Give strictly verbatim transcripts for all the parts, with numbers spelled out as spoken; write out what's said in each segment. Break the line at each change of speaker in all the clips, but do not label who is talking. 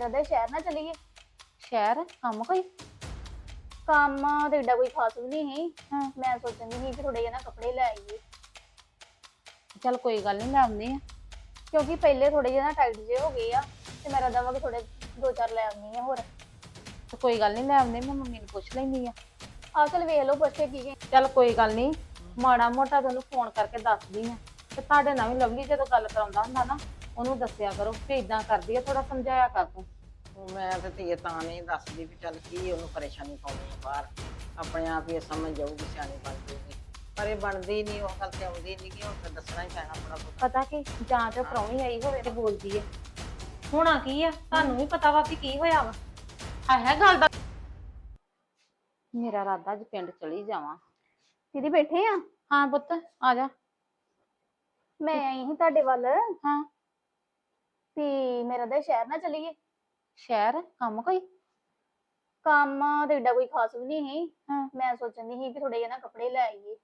ਮੇਰਾ ਤਾਂ ਸ਼ਹਿਰ ਨਾ ਚਲੀਏ।
ਸ਼ਹਿਰ ਕੰਮ ਕੋਈ?
ਕੰਮ ਤੇ ਏਡਾ ਕੋਈ ਖਾਸ ਵੀ ਨਹੀਂ ਸੀ।
ਹਾਂ
ਮੈਂ ਸੋਚਣ ਦੀ ਸੀ ਕਿ ਥੋੜੇ ਜਿਹੇ ਨਾ ਕੱਪੜੇ ਲੈ ਆਈਏ,
ਚੱਲ ਕੋਈ ਗੱਲ ਨਹੀਂ, ਲੈ ਆਉਂਦੇ ਆ।
ਕਿਉਂਕਿ ਪਹਿਲੇ ਥੋੜੇ ਜਿਹੇ ਨਾ ਟਾਈਟ ਜਿਹੇ ਹੋ ਗਏ ਆ ਤੇ ਮੇਰਾ ਦਵਾ ਕਿ ਥੋੜੇ ਦੋ ਚਾਰ ਲੈ ਆਉਣੀ ਆ ਹੋਰ।
ਤੇ ਕੋਈ ਗੱਲ ਨਹੀਂ, ਲੈ ਆਉਂਦੇ, ਮੈਂ ਮੰਮੀ ਨੂੰ ਪੁੱਛ ਲੈਂਦੀ ਆ।
ਆਹ ਚਲ ਵੇਖ ਲਓ ਪੁੱਛ ਕੇ ਕੀ ਕਹਿੰਦੇ।
ਚੱਲ ਕੋਈ ਗੱਲ ਨਹੀਂ, ਮਾੜਾ ਮੋਟਾ ਤੁਹਾਨੂੰ ਫੋਨ ਕਰਕੇ ਦੱਸਦੀ ਆ। ਤੇ ਤੁਹਾਡੇ ਨਾਲ ਵੀ ਲਵਲੀ ਜਦੋਂ ਗੱਲ ਕਰਾਉਂਦਾ ਹੁੰਦਾ ਨਾ, ਉਹਨੂੰ ਦੱਸਿਆ ਕਰੋ ਕਿ ਇਦਾਂ ਕਰਦੀ ਆ, ਥੋੜਾ ਸਮਝਾਇਆ ਕਰ ਤੂੰ।
ਮੈਂ ਤੇ ਧੀਏ ਤਾਂ ਨਹੀਂ ਦੱਸਦੀ ਵੀ ਚੱਲ ਕੀ ਉਹਨੂੰ ਪਰੇਸ਼ਾਨੀ ਪਾਉਣੀ ਆ ਬਾਹਰ, ਆਪਣੇ ਆਪ ਹੀ ਇਹ ਸਮਝ ਜਾਊਗੀ, ਸਿਆਣੀ ਬਣ ਜਾਊਗੀ। ਪਰ ਇਹ ਬਣਦੀ ਨਹੀਂ, ਉਹ ਗੱਲ ਤੇ ਆਉਂਦੀ ਨਹੀਂ ਕਿ ਹੁਣ ਤਾਂ ਦੱਸਣਾ ਹੀ ਪੈਣਾ ਥੋੜਾ ਬਹੁਤਾ।
ਪਤਾ ਕਿ ਜਾਂ ਤੇ ਪ੍ਰਾਹੁਣੀ ਆਈ ਹੋਵੇ ਤੇ ਬੋਲਦੀ ਏ। ਹੋਣਾ ਕੀ ਆ, ਤੁਹਾਨੂੰ ਵੀ ਪਤਾ ਵਾ ਵੀ ਕੀ ਹੋਇਆ ਵਾ। ਹੈ ਹੈ ਗੱਲ ਦਾ। ਮੇਰਾ ਇਰਾਦਾ ਅੱਜ ਪਿੰਡ ਚਲੀ ਜਾਵਾਂ।
ਦੀਦੀ ਬੈਠੇ ਆ?
ਹਾਂ ਪੁੱਤ ਆ ਜਾ।
ਮੈਂ ਆਈ ਸੀ ਤੁਹਾਡੇ ਵੱਲ
ਹਾਂ
ਵੀ ਮੇਰਾ ਤਾਂ ਸ਼ਹਿਰ ਨਾ ਚਲੀਏ।
ਸ਼ਹਿਰ ਕੰਮ ਕੋਈ?
ਕੰਮ ਤੇ ਏਡਾ ਕੋਈ ਖਾਸ ਵੀ ਨਹੀਂ ਸੀ।
ਹਾਂ
ਮੈਂ ਸੋਚਣ ਦੀ ਸੀ ਕਿ ਥੋੜੇ ਜਿਹੇ ਨਾ ਕੱਪੜੇ ਲੈ ਆਈਏ,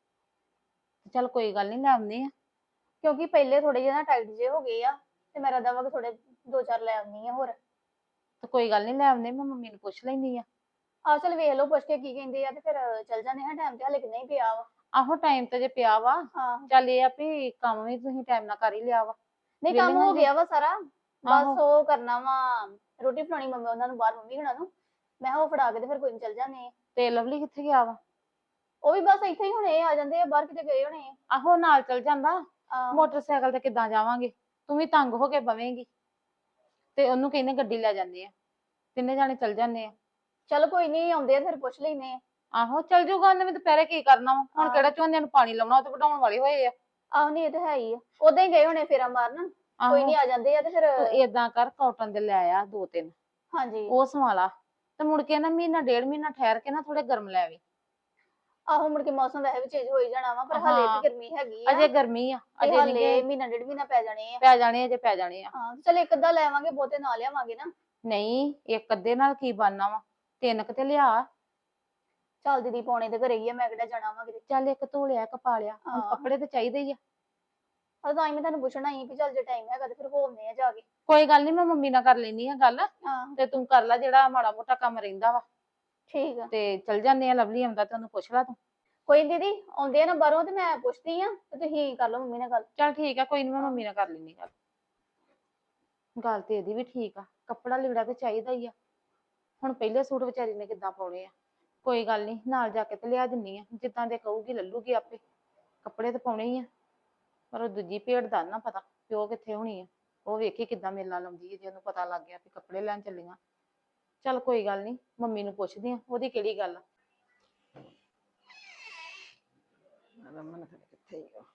ਚੱਲ ਕੋਈ ਗੱਲ ਨਹੀਂ, ਲੈ ਆਉਂਦੇ ਆ।
ਕਿਉਂਕਿ ਪਹਿਲੇ ਥੋੜੇ ਜਿਹੇ ਨਾ ਟਾਈਟ ਜਿਹੇ ਹੋ ਗਏ ਆ ਤੇ ਮੇਰਾ ਦਵਾ ਕਿ ਥੋੜੇ ਦੋ ਚਾਰ ਲੈ ਆਉਣੀ ਆ ਹੋਰ।
ਤੇ ਕੋਈ ਗੱਲ ਨਹੀਂ, ਲੈ ਆਉਂਦੇ, ਮੈਂ ਮੰਮੀ ਨੂੰ ਪੁੱਛ ਲੈਂਦੀ ਆ।
ਆਹ ਚਲ ਵੇਖ ਲਓ ਪੁੱਛ ਕੇ ਕੀ ਕਹਿੰਦੇ ਆ ਤੇ ਫਿਰ ਚੱਲ ਜਾਂਦੇ ਹਾਂ। ਟਾਈਮ ਤੇ ਹਲੇ ਕਿੰਨਾ ਹੀ ਪਿਆ ਵਾ।
ਆਹੋ ਟਾਈਮ ਤੇ ਜੇ ਪਿਆ ਵਾ।
ਹਾਂ
ਚੱਲ ਇਹ ਆ ਵੀ ਕੰਮ ਵੀ ਤੁਸੀਂ ਟਾਈਮ ਨਾਲ ਕਰ ਹੀ ਲਿਆ ਵਾ।
ਨਹੀਂ ਕੰਮ
ਵਿਹਲੀਆਂ
ਹੋ
ਜੇ-
ਗਿਆ ਵਾ ਸਾਰਾ,
ਆਹੋ।
ਬਸ ਉਹ ਕਰਨਾ ਵਾ ਰੋਟੀ ਫੜਾਉਣੀ ਮੰਮੀ ਉਹਨਾਂ ਨੂੰ ਬਾਹਰ, ਮੰਮੀ ਹੁਣਾਂ ਨੂੰ। ਮੈਂ ਕਿਹਾ ਉਹ ਫੜਾ ਕੇ ਤੇ ਫਿਰ ਕੋਈ ਨੀ ਚੱਲ ਜਾਂਦੇ ਆ।
ਤੇ ਲਵਲੀ ਕਿੱਥੇ ਗਿਆ ਵਾ?
ਉਹ ਵੀ ਬਸ ਇੱਥੇ ਹੀ ਹੁਣੇ ਆ ਜਾਂਦੇ ਆ, ਬਾਹਰ ਕਿਤੇ ਗਏ ਹੋਣੇ ਆ।
ਆਹੋ ਨਾਲ ਚੱਲ ਜਾਂਦਾ।
ਆਹ,
ਮੋਟਰਸਾਈਕਲ ਤੇ ਕਿੱਦਾਂ ਜਾਵਾਂਗੇ, ਤੂੰ ਵੀ ਤੰਗ ਹੋ ਕੇ ਬਵੇਂਗੀ। ਤੇ ਉਹਨੂੰ ਕਹਿੰਦੇ ਗੱਡੀ ਲੈ ਜਾਂਦੇ ਆ, ਤਿੰਨੇ ਜਾਣੇ ਚੱਲ ਜਾਂਦੇ ਆ।
ਚੱਲ ਕੋਈ ਨਹੀਂ, ਆਉਂਦੇ ਆ ਫਿਰ ਪੁੱਛ ਲੈਨੇ ਆ।
ਆਹੋ ਚੱਲ ਜੂਗਾ, ਉਹਨੇ ਵੀ ਦੁਪਹਿਰੇ ਕੀ ਕਰਨਾ ਵਾ ਹੁਣ,
ਹਾਂ।
ਕਿਹੜਾ ਝੋਨੇ ਨੂੰ ਪਾਣੀ ਲਾਉਣਾ, ਉਹ ਤੇ ਵਢਾਉਣ ਵਾਲੇ ਹੋਏ ਆ।
ਆਹੋ ਨਹੀਂ ਇਹ ਤਾਂ ਹੈ ਹੀ ਆ, ਉਦਾਂ ਹੀ ਗਏ ਹੋਣੇ ਫੇਰਾ ਮਾਰਨ। ਕੋਈ ਨਹੀਂ ਆ ਜਾਂਦੇ ਆ ਤੇ ਫਿਰ।
ਏਦਾਂ ਕਰ, ਕਾਟਨ ਦੇ ਲੈ ਆ ਦੋ ਤਿੰਨ,
ਹਾਂਜੀ
ਉਹ ਸਵਾਲਾ। ਤੇ ਮੁੜ ਕੇ ਨਾ ਮਹੀਨਾ ਡੇਢ ਮਹੀਨਾ ਠਹਿਰ ਕੇ ਨਾ ਥੋੜੇ ਗਰਮ ਲੈ ਆਵੀਂ।
ਆਹੋ ਮੁੜ ਕੇ ਮੌਸਮ ਵੈਸੇ ਵੀ ਚੇਂਜ ਹੋ ਹੀ ਜਾਣਾ ਵਾ, ਪਰ ਹਲੇ
ਹਾਂ।
ਵੀ ਗਰਮੀ ਹੈਗੀ ਆ।
ਅਜੇ ਗਰਮੀ ਆ,
ਤੇ
ਅਜੇ
ਹਲੇ
ਨਹੀਂ
ਮਹੀਨਾ ਡੇਢ ਮਹੀਨਾ ਪੈ ਜਾਣੇ ਆ।
ਪੈ ਜਾਣੇ, ਅਜੇ ਪੈ ਜਾਣੇ ਆ।
ਹਾਂ ਚਲ ਇੱਕ ਅੱਧਾ ਲੈ ਆਵਾਂਗੇ, ਬਹੁਤੇ ਨਾ ਲਿਆਵਾਂਗੇ ਨਾ।
ਨਹੀਂ ਇੱਕ ਅੱਧੇ ਨਾਲ ਕੀ ਬਣਨਾ ਵਾ, ਤਿੰਨ ਕੁ ਤੇ ਲਿਆ।
ਚੱਲ ਦੀਦੀ ਪਾਉਣੇ ਤੇ ਘਰੇ ਹੀ ਆ, ਮੈਂ ਕਿਹੜਾ ਜਾਣਾ ਵਾ ਕਿਤੇ।
ਚੱਲ ਇੱਕ ਧੋ ਲਿਆ, ਇੱਕ ਪਾ ਲਿਆ, ਹੁਣ
ਹਾਂ।
ਕੱਪੜੇ ਤੇ ਚਾਹੀਦੇ ਹੀ ਆ।
ਆ ਤਾਂ ਹੀ ਮੈਂ ਤੁਹਾਨੂੰ ਪੁੱਛਣਾ ਹੀ ਵੀ ਚੱਲ ਜੇ ਟਾਈਮ ਹੈਗਾ ਤੇ ਫਿਰ ਹੋਵਨੇ ਆ ਜਾ ਕੇ।
ਕੋਈ ਗੱਲ ਨਹੀਂ, ਮੈਂ ਮੰਮੀ ਨਾਲ ਕਰ ਲੈਣੀ ਆ ਗੱਲ।
ਹਾਂ
ਤੇ ਤੂੰ ਕਰ ਲੈ ਜਿਹੜਾ ਮਾੜਾ ਮੋਟਾ ਕੰਮ ਰਹਿੰਦਾ ਵਾ।
ਠੀਕ ਆ।
ਤੇ ਚੱਲ ਜਾਂਦੇ ਆ, ਲਵਲੀ ਆਉਂਦਾ ਤੇ ਉਹਨੂੰ ਪੁੱਛ ਲੈ ਤੂੰ।
ਕੋਈ ਨੀ ਦੀਦੀ, ਆਉਂਦੇ ਆ ਨਾ ਬਾਹਰੋਂ ਤੇ ਮੈਂ ਪੁੱਛਦੀ ਆ ਤੇ ਤੁਸੀਂ ਕਰ ਲਓ ਮੰਮੀ ਨਾਲ ਗੱਲ।
ਚੱਲ ਠੀਕ ਆ, ਕੋਈ ਨੀ, ਮੈਂ ਮੰਮੀ ਨਾਲ ਕਰ ਲੈਣੀ ਗੱਲ। ਗੱਲ ਤੇ ਇਹਦੀ ਵੀ ਠੀਕ ਆ, ਕੱਪੜਾ ਲੀੜਾ ਤੇ ਚਾਹੀਦਾ ਹੀ ਆ। ਹੁਣ ਪਹਿਲੇ ਸੂਟ ਵਿਚਾਰੀ ਨੇ ਕਿੱਦਾਂ ਪਾਉਣੇ ਆ। ਕੋਈ ਗੱਲ ਨਹੀਂ, ਨਾਲ ਜਾ ਕੇ ਤੇ ਲਿਆ ਦਿੰਨੀ ਆ, ਜਿੱਦਾਂ ਦੇ ਕਹੂਗੀ ਲੱਲੂਗੀ ਆਪੇ। ਕੱਪੜੇ ਤੇ ਪਾਉਣੇ ਹੀ ਆ। ਪਰ ਉਹ ਦੂਜੀ ਭੇਡ ਦਾ ਨਾ ਪਤਾ ਪਿਓ ਕਿੱਥੇ ਹੋਣੀ ਆ। ਉਹ ਵੇਖੀ ਕਿੱਦਾਂ ਮੇਲਾ ਲਾਉਂਦੀ ਹੈ ਜੇ ਉਹਨੂੰ ਪਤਾ ਲੱਗ ਗਿਆ ਵੀ ਕੱਪੜੇ ਲੈਣ ਚੱਲੀਆਂ। ਚੱਲ ਕੋਈ ਗੱਲ ਨਹੀਂ, ਮੰਮੀ ਨੂੰ ਪੁੱਛਦੀ ਆ, ਉਹਦੀ ਕਿਹੜੀ ਗੱਲ ਆ।
ਰਮਨ ਫਿਰ ਕਿੱਥੇ ਹੀ ਆ?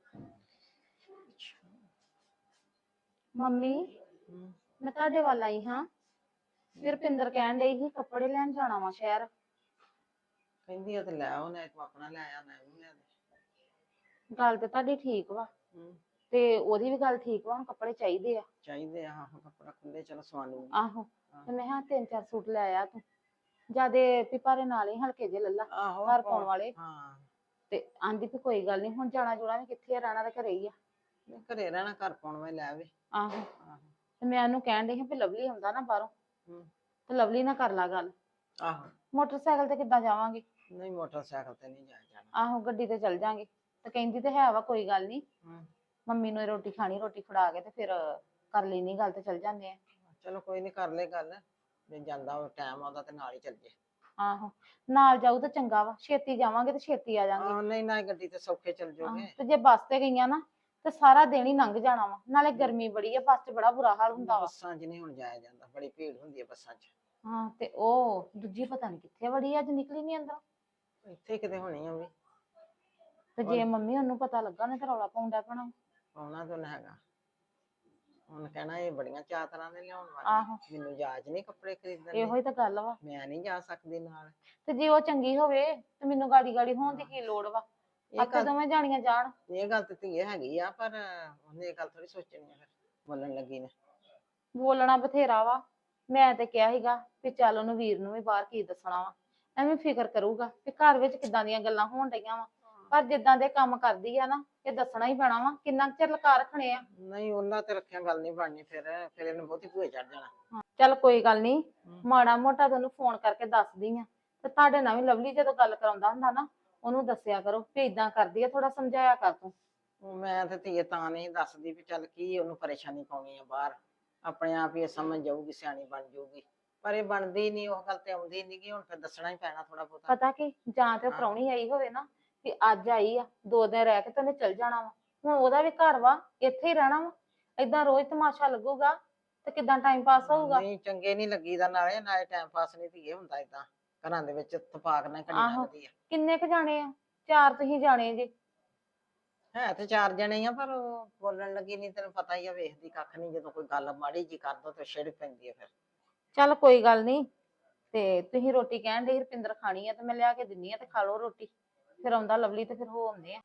ਮੰਮੀ
ਹਮ,
ਮੈਂ ਤੁਹਾਡੇ ਵੱਲ ਆਈ ਹਾਂ। ਫਿਰ ਰੁਪਿੰਦਰ ਕਹਿਣ ਡਈ ਸੀ ਕੱਪੜੇ ਲੈਣ ਜਾਣਾ ਵਾ ਸ਼ਹਿਰ।
ਕਹਿੰਦੀ ਉਹ ਤੇ ਲੈ ਆਓ, ਨਾ ਤੂੰ ਆਪਣਾ ਲੈ ਆ, ਨਾ ਉਹਨੂੰ ਲੈ ਦੇ।
ਗੱਲ ਤੇ ਤੁਹਾਡੀ ਠੀਕ ਵਾ,
ਹਮ,
ਤੇ ਉਹਦੀ ਵੀ ਗੱਲ ਠੀਕ ਵਾ, ਹੁਣ ਕੱਪੜੇ ਚਾਹੀਦੇ ਆ।
ਚਾਹੀਦੇ ਆ, ਆਹੋ ਕੱਪੜਾ ਖੁੱਲੇ ਚਲੋ ਸਵਾ ਲੂੰਗੀ।
ਆਹੋ ਤੇ ਮੈਂ ਕਿਹਾ ਤਿੰਨ ਚਾਰ ਸੂਟ ਲੈ ਆ ਤੂੰ, ਜਿਆਦੇ ਵੀ ਭਾਰੇ ਨਾਲ ਹੀ ਹਲਕੇ ਜਿਹੇ ਲੱਲਾ
ਆਹੋ
ਘਰ ਪਾਉਣ ਵਾਲੇ।
ਹਾਂ,
ਤੇ ਆਂਦੀ ਵੀ ਕੋਈ ਗੱਲ ਨਹੀਂ, ਹੁਣ ਜਾਣਾ ਜੁਣਾ ਵੀ ਕਿੱਥੇ ਆ, ਰਹਿਣਾ ਤਾਂ ਘਰੇ ਹੀ ਆ।
ਨਹੀਂ ਘਰੇ ਰਹਿਣਾ, ਘਰ ਪਾਉਣ ਵਾਲੇ ਲੈ ਆਵੇ।
ਆਹੋ
ਆਹੋ।
ਤੇ ਮੈਂ ਉਹਨੂੰ ਕਹਿਣ ਡਈ ਸੀ ਵੀ ਲਵਲੀ ਆਉਂਦਾ ਨਾ ਬਾਹਰੋਂ,
ਹਮ,
ਤੇ ਲਵਲੀ ਨਾਲ ਕਰ ਲਾ ਗੱਲ।
ਆਹੋ।
ਮੋਟਰਸਾਈਕਲ ਤੇ ਕਿੱਦਾਂ ਜਾਵਾਂਗੇ?
ਨਹੀਂ ਮੋਟਰਸਾਈਕਲ ਤੇ ਨਹੀਂ ਜਾਇਆ ਜਾਣਾ।
ਆਹੋ ਗੱਡੀ ਤੇ ਚੱਲ ਜਾਾਂਗੇ। ਤੇ ਕਹਿੰਦੀ ਤੇ ਹੈ ਵਾ ਕੋਈ ਗੱਲ ਨਹੀਂ,
ਹਮ,
ਮੰਮੀ ਨੂੰ ਇਹ ਰੋਟੀ ਖਾਣੀ, ਰੋਟੀ ਫੜਾ ਕੇ ਤੇ ਫਿਰ ਕਰ ਲੈਣੀ ਗੱਲ ਤੇ ਚੱਲ ਜਾਂਦੇ ਆ।
ਚਲੋ ਕੋਈ ਨੀ, ਕਰ ਲੈ ਗੱਲ। ਜੇ ਜਾਂਦਾ ਟਾਈਮ ਆਉਂਦਾ ਤੇ ਨਾਲ ਹੀ ਚੱਲ ਜੇ।
ਆਹੋ ਨਾਲ ਜਾਊ ਤਾਂ ਚੰਗਾ ਵਾ, ਛੇਤੀ ਜਾਵਾਂਗੇ ਤੇ ਛੇਤੀ ਆ ਜਾਾਂਗੇ।
ਆਹੋ ਨਹੀਂ ਨਾ ਗੱਡੀ ਤੇ ਸੌਖੇ ਚੱਲ ਜਾਓਗੇ।
ਤੇ ਜੇ ਬੱਸ ਤੇ ਗਈਆਂ ਨਾ ਤੇ ਸਾਰਾ ਦਿਨ ਹੀ ਲੰਘ ਜਾਣਾ ਵਾ, ਨਾਲੇ ਗਰਮੀ ਬੜੀ ਆ, ਬੱਸ 'ਚ ਬੜਾ ਬੁਰਾ ਹਾਲ ਹੁੰਦਾ ਵਾ।
ਬੱਸਾਂ 'ਚ ਨਹੀਂ ਹੁਣ ਜਾਇਆ ਜਾਂਦਾ, ਬੜੀ ਭੀੜ ਹੁੰਦੀ ਹੈ ਬੱਸਾਂ 'ਚ।
ਹਾਂ ਤੇ ਉਹ ਦੂਜੀ ਪਤਾ ਨੀ ਕਿੱਥੇ ਵੜੀ, ਅੱਜ ਨਿਕਲੀ ਨੀ ਅੰਦਰ।
ਇੱਥੇ ਕਿਤੇ ਹੋਣੀ ਆ ਵੀ।
ਤੇ ਜੇ ਮੰਮੀ ਉਹਨੂੰ ਪਤਾ ਲੱਗਾ ਨਾ ਤੇ ਰੌਲਾ ਪਾਉਂਦਾ ਪੈਣਾ।
ਆਉਣਾ ਤਾਂ ਹੈਗਾ, ਉਹਨੇ ਕਹਿਣਾ ਇਹ ਬੜੀਆਂ ਚਾਰ ਤਰ੍ਹਾਂ ਦੇ ਲਿਆਉਣ
ਆਹੋ।
ਵਾਲੀਆਂ, ਮੈਨੂੰ ਜਾਚ ਨਹੀਂ ਕੱਪੜੇ ਖਰੀਦਣ ਦੀ,
ਇਹੋ ਹੀ ਤਾਂ ਗੱਲ ਵਾ।
ਮੈਂ ਨਹੀਂ ਜਾ ਸਕਦੀ ਨਾਲ।
ਤੇ ਜੇ ਉਹ ਚੰਗੀ ਹੋਵੇ ਤੇ ਮੈਨੂੰ ਗਾੜੀ ਗਾੜੀ ਹੋਣ ਦੀ ਕੀ ਲੋੜ ਵਾ,
ਇਹ
ਆਪੇ
ਗੱਲ
ਦੋਵੇਂ ਜਾਣੀਆਂ ਜਾਣ।
ਇਹ ਗੱਲ ਤੇ ਧੀਏ ਹੈਗੀ ਆ, ਪਰ ਉਹਨੇ ਇਹ ਗੱਲ ਥੋੜੀ ਸੋਚਣੀ ਆ ਫਿਰ ਬੋਲਣ ਲੱਗੀ ਨੇ।
ਬੋਲਣਾ ਬਥੇਰਾ ਵਾ, ਮੈਂ ਤੇ ਕਿਹਾ ਸੀਗਾ ਵੀ ਚੱਲ ਉਹਨੂੰ ਵੀਰ ਨੂੰ ਵੀ ਬਾਹਰ ਕੀ ਦੱਸਣਾ ਵਾ, ਐਵੇਂ ਫਿਕਰ ਕਰੂਗਾ ਵੀ ਘਰ ਵਿੱਚ ਕਿੱਦਾਂ ਦੀਆਂ ਗੱਲਾਂ ਹੋਣ ਡਈਆਂ ਵਾ, ਪਰ ਜਿੱਦਾਂ ਦੇ ਕੰਮ ਕਰਦੀ ਆ ਨਾ ਇਹ ਦੱਸਣਾ ਹੀ ਪੈਣਾ ਵਾ। ਕਿੰਨਾ ਕੁ ਚਿਰ ਲਕਾ ਰੱਖਣੇ ਆ।
ਨਹੀਂ ਉਹਨਾਂ ਤੇ ਰੱਖਿਆ ਗੱਲ ਨਹੀਂ ਬਣਨੀ, ਫਿਰ ਫਿਰ ਇਹਨੂੰ ਬਹੁਤੀ ਭੂਏ ਚੜ ਜਾਣਾ।
ਚੱਲ ਕੋਈ ਗੱਲ ਨਹੀਂ,
ਹਮ।
ਮਾੜਾ ਮੋਟਾ ਤੁਹਾਨੂੰ ਫੋਨ ਕਰਕੇ ਦੱਸਦੀ ਆ ਤੇ ਤੁਹਾਡੇ ਨਾਲ ਵੀ ਲਵਲੀ ਜਦੋਂ ਗੱਲ ਕਰਾਉਂਦਾ ਹੁੰਦਾ ਨਾ ਉਹਨੂੰ ਦੱਸਿਆ ਕਰੋ ਵੀ ਇਦਾਂ ਕਰਦੀ ਆ, ਥੋੜਾ ਸਮਝਾਇਆ ਕਰ ਤੂੰ।
ਉਹ ਮੈਂ ਤੇ ਧੀਏ ਤਾਂ ਨਹੀਂ ਦੱਸਦੀ ਵੀ ਚੱਲ ਕੀ ਉਹਨੂੰ ਪਰੇਸ਼ਾਨੀ ਪਾਉਣੀ ਆ ਬਾਹਰ, ਆਪਣੇ ਆਪ ਹੀ ਇਹ ਸਮਝ ਜਾਊਗੀ, ਸਿਆਣੀ ਬਣ ਜਾਊਗੀ। ਪਰ ਇਹ ਬਣਦੀ ਨਹੀਂ, ਉਹ ਗੱਲ ਤੇ ਆਉਂਦੀ ਨਹੀਂ ਗੀ। ਹੁਣ ਫਿਰ ਦੱਸਣਾ ਹੀ ਪੈਣਾ ਥੋੜਾ ਬਹੁਤਾ।
ਪਤਾ ਕੀ, ਜਾਂ ਤੇ
ਹਾਂ।
ਪ੍ਰਾਹੁਣੀ ਆਈ ਹੋਵੇ ਨਾ ਵੀ ਅੱਜ ਆਈ ਆ ਦੋ ਦਿਨ ਰਹਿ ਕੇ ਤੇ ਉਹਨੇ ਚਲ ਜਾਣਾ ਵਾ, ਹੁਣ ਉਹਦਾ ਵੀ ਘਰ ਵਾ, ਇੱਥੇ ਹੀ ਰਹਿਣਾ ਵਾ। ਏਦਾਂ ਰੋਜ਼ ਤਮਾਸ਼ਾ ਲੱਗੂਗਾ ਤੇ ਕਿੱਦਾਂ ਟਾਈਮ ਪਾਸ ਹੋਊਗਾ।
ਨਹੀਂ ਚੰਗੇ ਨਹੀਂ ਲੱਗੀਦਾ, ਨਾਲੇ ਨਾਲੇ ਟਾਈਮ ਪਾਸ ਨਹੀਂ ਧੀਏ ਹੁੰਦਾ ਏਦਾਂ ਘਰਾਂ ਦੇ ਵਿੱਚ ਤਫਾਕ ਨਾਲ ਘੜੀ
ਆਹੋ।
ਲੰਘਦੀ ਆ।
ਕਿੰਨੇ ਕੁ ਜਾਣੇ ਆ? ਚਾਰ ਤੁਸੀਂ ਜਾਣੇ ਜੇ।
ਹੈ ਤੇ ਚਾਰ ਜਣੇ ਆ, ਪਰ ਉਹ ਬੋਲਣ ਲੱਗੀ ਨਹੀਂ, ਤੈਨੂੰ ਪਤਾ ਹੀ ਆ, ਵੇਖਦੀ ਕੱਖ ਨਹੀਂ। ਜਦੋਂ ਕੋਈ ਗੱਲ ਮਾੜੀ ਜੀ ਕਰ ਦੋ ਤੇ ਛਿੜ ਪੈਂਦੀ ਆ ਫਿਰ।
ਚੱਲ ਕੋਈ ਗੱਲ ਨਹੀਂ, ਤੇ ਤੁਸੀਂ ਰੋਟੀ ਕਹਿਣ ਦੇ ਰੁਪਿੰਦਰ ਖਾਣੀ ਆ ਤੇ ਮੈਂ ਲਿਆ ਕੇ ਦਿੰਨੀ ਆ ਤੇ ਖਾ ਲਓ ਰੋਟੀ। ਫਿਰ ਆਉਂਦਾ ਲਵਲੀ ਤੇ ਫਿਰ ਹੋ ਆਉਂਦੇ ਆ।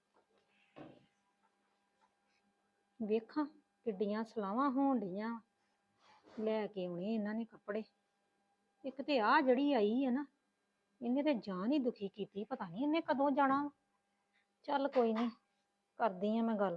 ਵੇਖਾਂ ਕਿੱਡੀਆਂ ਸਲਾਵਾਂ ਹੋਣ ਡੀਆਂ, ਲੈ ਕੇ ਆਉਣੇ ਇਹਨਾਂ ਨੇ ਕੱਪੜੇ। ਇੱਕ ਤੇ ਆ ਜਿਹੜੀ ਆਈ ਹੈ ਨਾ, ਇਹਨੇ ਤੇ ਜਾਨ ਹੀ ਦੁਖੀ ਕੀਤੀ, ਪਤਾ ਨਹੀਂ ਇਹਨੇ ਕਦੋਂ ਜਾਣਾ ਵਾ। ਚੱਲ ਕੋਈ ਨਹੀਂ, ਕਰਦੀ ਆ ਮੈਂ ਗੱਲ।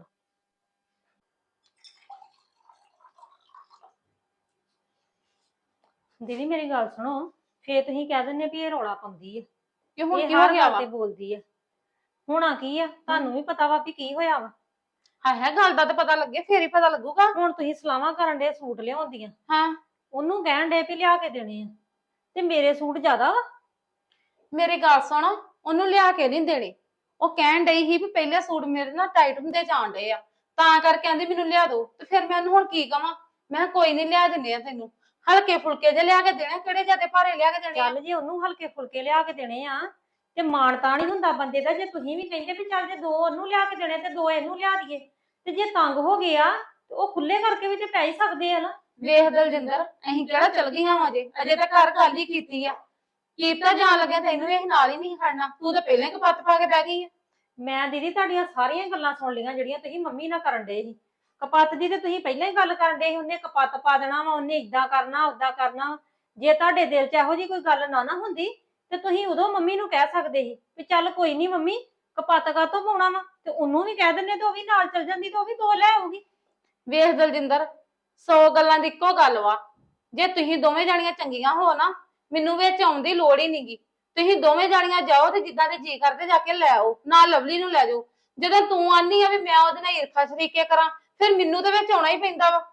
ਦੀਦੀ ਮੇਰੀ ਗੱਲ ਸੁਣੋ, ਫੇਰ ਤੁਸੀਂ ਕਹਿ ਦਿੰਦੇ ਵੀ ਇਹ ਰੌਲਾ ਪਾਉਂਦੀ ਹੈ,
ਕਿ ਹੁਣ
ਇਹ
ਕੀ ਹੋ
ਹਰ
ਗਿਆ
ਗੱਲ
ਵਾ?
ਤੇ ਬੋਲਦੀ ਹੈ। ਹੋਣਾ ਕੀ ਆ, ਤੁਹਾਨੂੰ ਵੀ ਪਤਾ ਵਾ ਵੀ ਕੀ ਹੋਇਆ ਵਾ।
ਹਾਂ ਹੈ, ਗੱਲ ਦਾ ਤਾਂ ਪਤਾ ਲੱਗੇ ਫੇਰ ਹੀ ਪਤਾ ਲੱਗੂਗਾ।
ਹੁਣ ਤੁਸੀਂ ਸਲਾਹਾਂ ਕਰਨ ਦੇ ਸੂਟ ਲਿਆਉਂਦੀਆਂ,
ਹਾਂ,
ਉਹਨੂੰ ਕਹਿਣ ਦੇ ਵੀ ਲਿਆ ਕੇ ਦੇਣੇ ਆ, ਤੇ ਮੇਰੇ ਸੂਟ ਜ਼ਿਆਦਾ ਵਾ।
ਮੇਰੀ ਗੱਲ ਸੁਣ, ਉਹਨੂੰ ਲਿਆ ਕੇ ਨਹੀਂ ਦੇਣੇ। ਉਹ ਕਹਿਣ ਡਈ ਸੀ ਵੀ ਪਹਿਲੇ ਸੂਟ ਮੇਰੇ ਨਾਲ ਟਾਈਟ ਹੁੰਦੇ ਜਾਣ ਡਏ ਆ, ਤਾਂ ਕਰਕੇ ਕਹਿੰਦੀ ਮੈਨੂੰ ਲਿਆ ਦੋ। ਤੇ ਫਿਰ ਮੈਂ ਉਹਨੂੰ ਹੁਣ ਕੀ ਕਵਾਂ? ਮੈਂ ਕਿਹਾ ਕੋਈ ਨਹੀਂ ਲਿਆ ਦਿੰਦੇ ਆ ਤੈਨੂੰ, ਹਲਕੇ ਫੁਲਕੇ ਜੇ ਲਿਆ ਕੇ ਦੇਣੇ, ਕਿਹੜੇ ਜਿਆਦੇ ਭਾਰੇ ਲਿਆ ਕੇ ਦੇਣੇ ਆ?
ਚੱਲ ਜੇ ਉਹਨੂੰ ਹਲਕੇ ਫੁਲਕੇ ਲਿਆ ਕੇ ਦੇਣੇ ਆ ਤੇ ਮਾਣ ਤਾਂ ਨਹੀਂ ਹੁੰਦਾ ਬੰਦੇ ਦਾ। ਜੇ ਤੁਸੀਂ ਵੀ ਕਹਿੰਦੇ ਵੀ ਚੱਲ ਜੇ ਦੋ ਉਹਨੂੰ ਲਿਆ ਕੇ ਦੇਣੇ ਤੇ ਦੋ ਇਹਨੂੰ ਲਿਆ ਦਈਏ, ਤੇ ਜੇ ਤੰਗ ਹੋ ਗਿਆ ਤੇ ਉਹ ਖੁੱਲੇ ਕਰਕੇ ਵੀ ਤੇ ਪੈ ਹੀ ਸਕਦੇ ਆ ਨਾ।
ਵੇਖ ਦਲਜਿੰਦਰ, ਅਸੀਂ ਕਿਹੜਾ ਚਲ ਗਈਆਂ ਵਾਂ ਅਜੇ, ਅਜੇ ਤਾਂ ਘਰ ਖਾਲੀ ਕੀਤੀ ਆ। ਕੀਤਾ ਜਾਣ ਲੱਗਿਆ ਤੈਨੂੰ ਇਹ ਨਾਲ ਹੀ ਨਹੀਂ ਖੜਨਾ, ਤੂੰ ਤਾਂ ਪਹਿਲਾਂ ਹੀ ਕਪੱਤ ਪਾ ਕੇ ਬਹਿ ਗਈ ਆ।
ਮੈਂ ਦੀਦੀ ਤੁਹਾਡੀਆਂ ਸਾਰੀਆਂ ਗੱਲਾਂ ਸੁਣ ਲਈਆਂ ਜਿਹੜੀਆਂ ਤੁਸੀਂ ਮੰਮੀ ਨਾਲ ਕਰਨ ਡਏ ਸੀ। ਕਪੱਤ ਦੀ ਤੇ ਤੁਸੀਂ ਪਹਿਲਾਂ ਹੀ ਗੱਲ ਕਰਨ ਡਏ ਸੀ, ਉਹਨੇ ਕਪੱਤ ਪਾ ਦੇਣਾ ਵਾ, ਉਹਨੇ ਇਦਾਂ ਕਰਨਾ ਓਦਾਂ ਕਰਨਾ ਵਾ। ਜੇ ਤੁਹਾਡੇ ਦਿਲ 'ਚ ਇਹੋ ਜਿਹੀ ਕੋਈ ਗੱਲ ਨਾ ਨਾ ਹੁੰਦੀ ਤੇ ਤੁਸੀਂ ਉਦੋਂ ਮੰਮੀ ਨੂੰ ਕਹਿ ਸਕਦੇ ਸੀ ਵੀ ਚੱਲ ਕੋਈ ਨਹੀਂ ਮੰਮੀ, ਕਪੱਤ ਕਾਹਤੋਂ ਪਾਉਣਾ ਵਾ, ਤੇ ਉਹਨੂੰ ਵੀ ਕਹਿ ਦਿੰਦੇ ਤੇ ਉਹ ਵੀ ਨਾਲ ਚਲ ਜਾਂਦੀ ਤੇ ਉਹ ਵੀ ਦੋ ਲੈ ਆਊਗੀ।
ਵੇਖ ਦਲਜਿੰਦਰ, ਸੌ ਗੱਲਾਂ ਦੀ ਇੱਕੋ ਗੱਲ ਵਾ। ਜੇ ਤੁਸੀਂ ਦੋਵੇਂ ਜਾਣੀਆਂ ਚੰਗੀਆਂ ਹੋ ਨਾ, ਮੈਨੂੰ ਵਿੱਚ ਆਉਣ ਦੀ ਲੋੜ ਹੀ ਨਹੀਂਗੀ। ਤੁਸੀਂ ਦੋਵੇਂ ਜਾਣੀਆਂ ਜਾਓ ਤੇ ਜਿੱਦਾਂ ਦੇ ਜੀ ਕਰਦੇ ਜਾ ਕੇ ਲੈ ਆਓ, ਨਾਲ ਲਵਲੀ ਨੂੰ ਲੈ ਜਾਓ। ਜਦੋਂ ਤੂੰ ਆਨੀ ਆ ਵੀ ਮੈਂ ਉਹਦੇ ਨਾਲ ਈਰਖਾ ਸ਼ਰੀਕੇ ਕਰਾਂ, ਫਿਰ ਮੈਨੂੰ ਤੇ ਵਿੱਚ ਆਉਣਾ ਹੀ ਪੈਂਦਾ ਵਾ।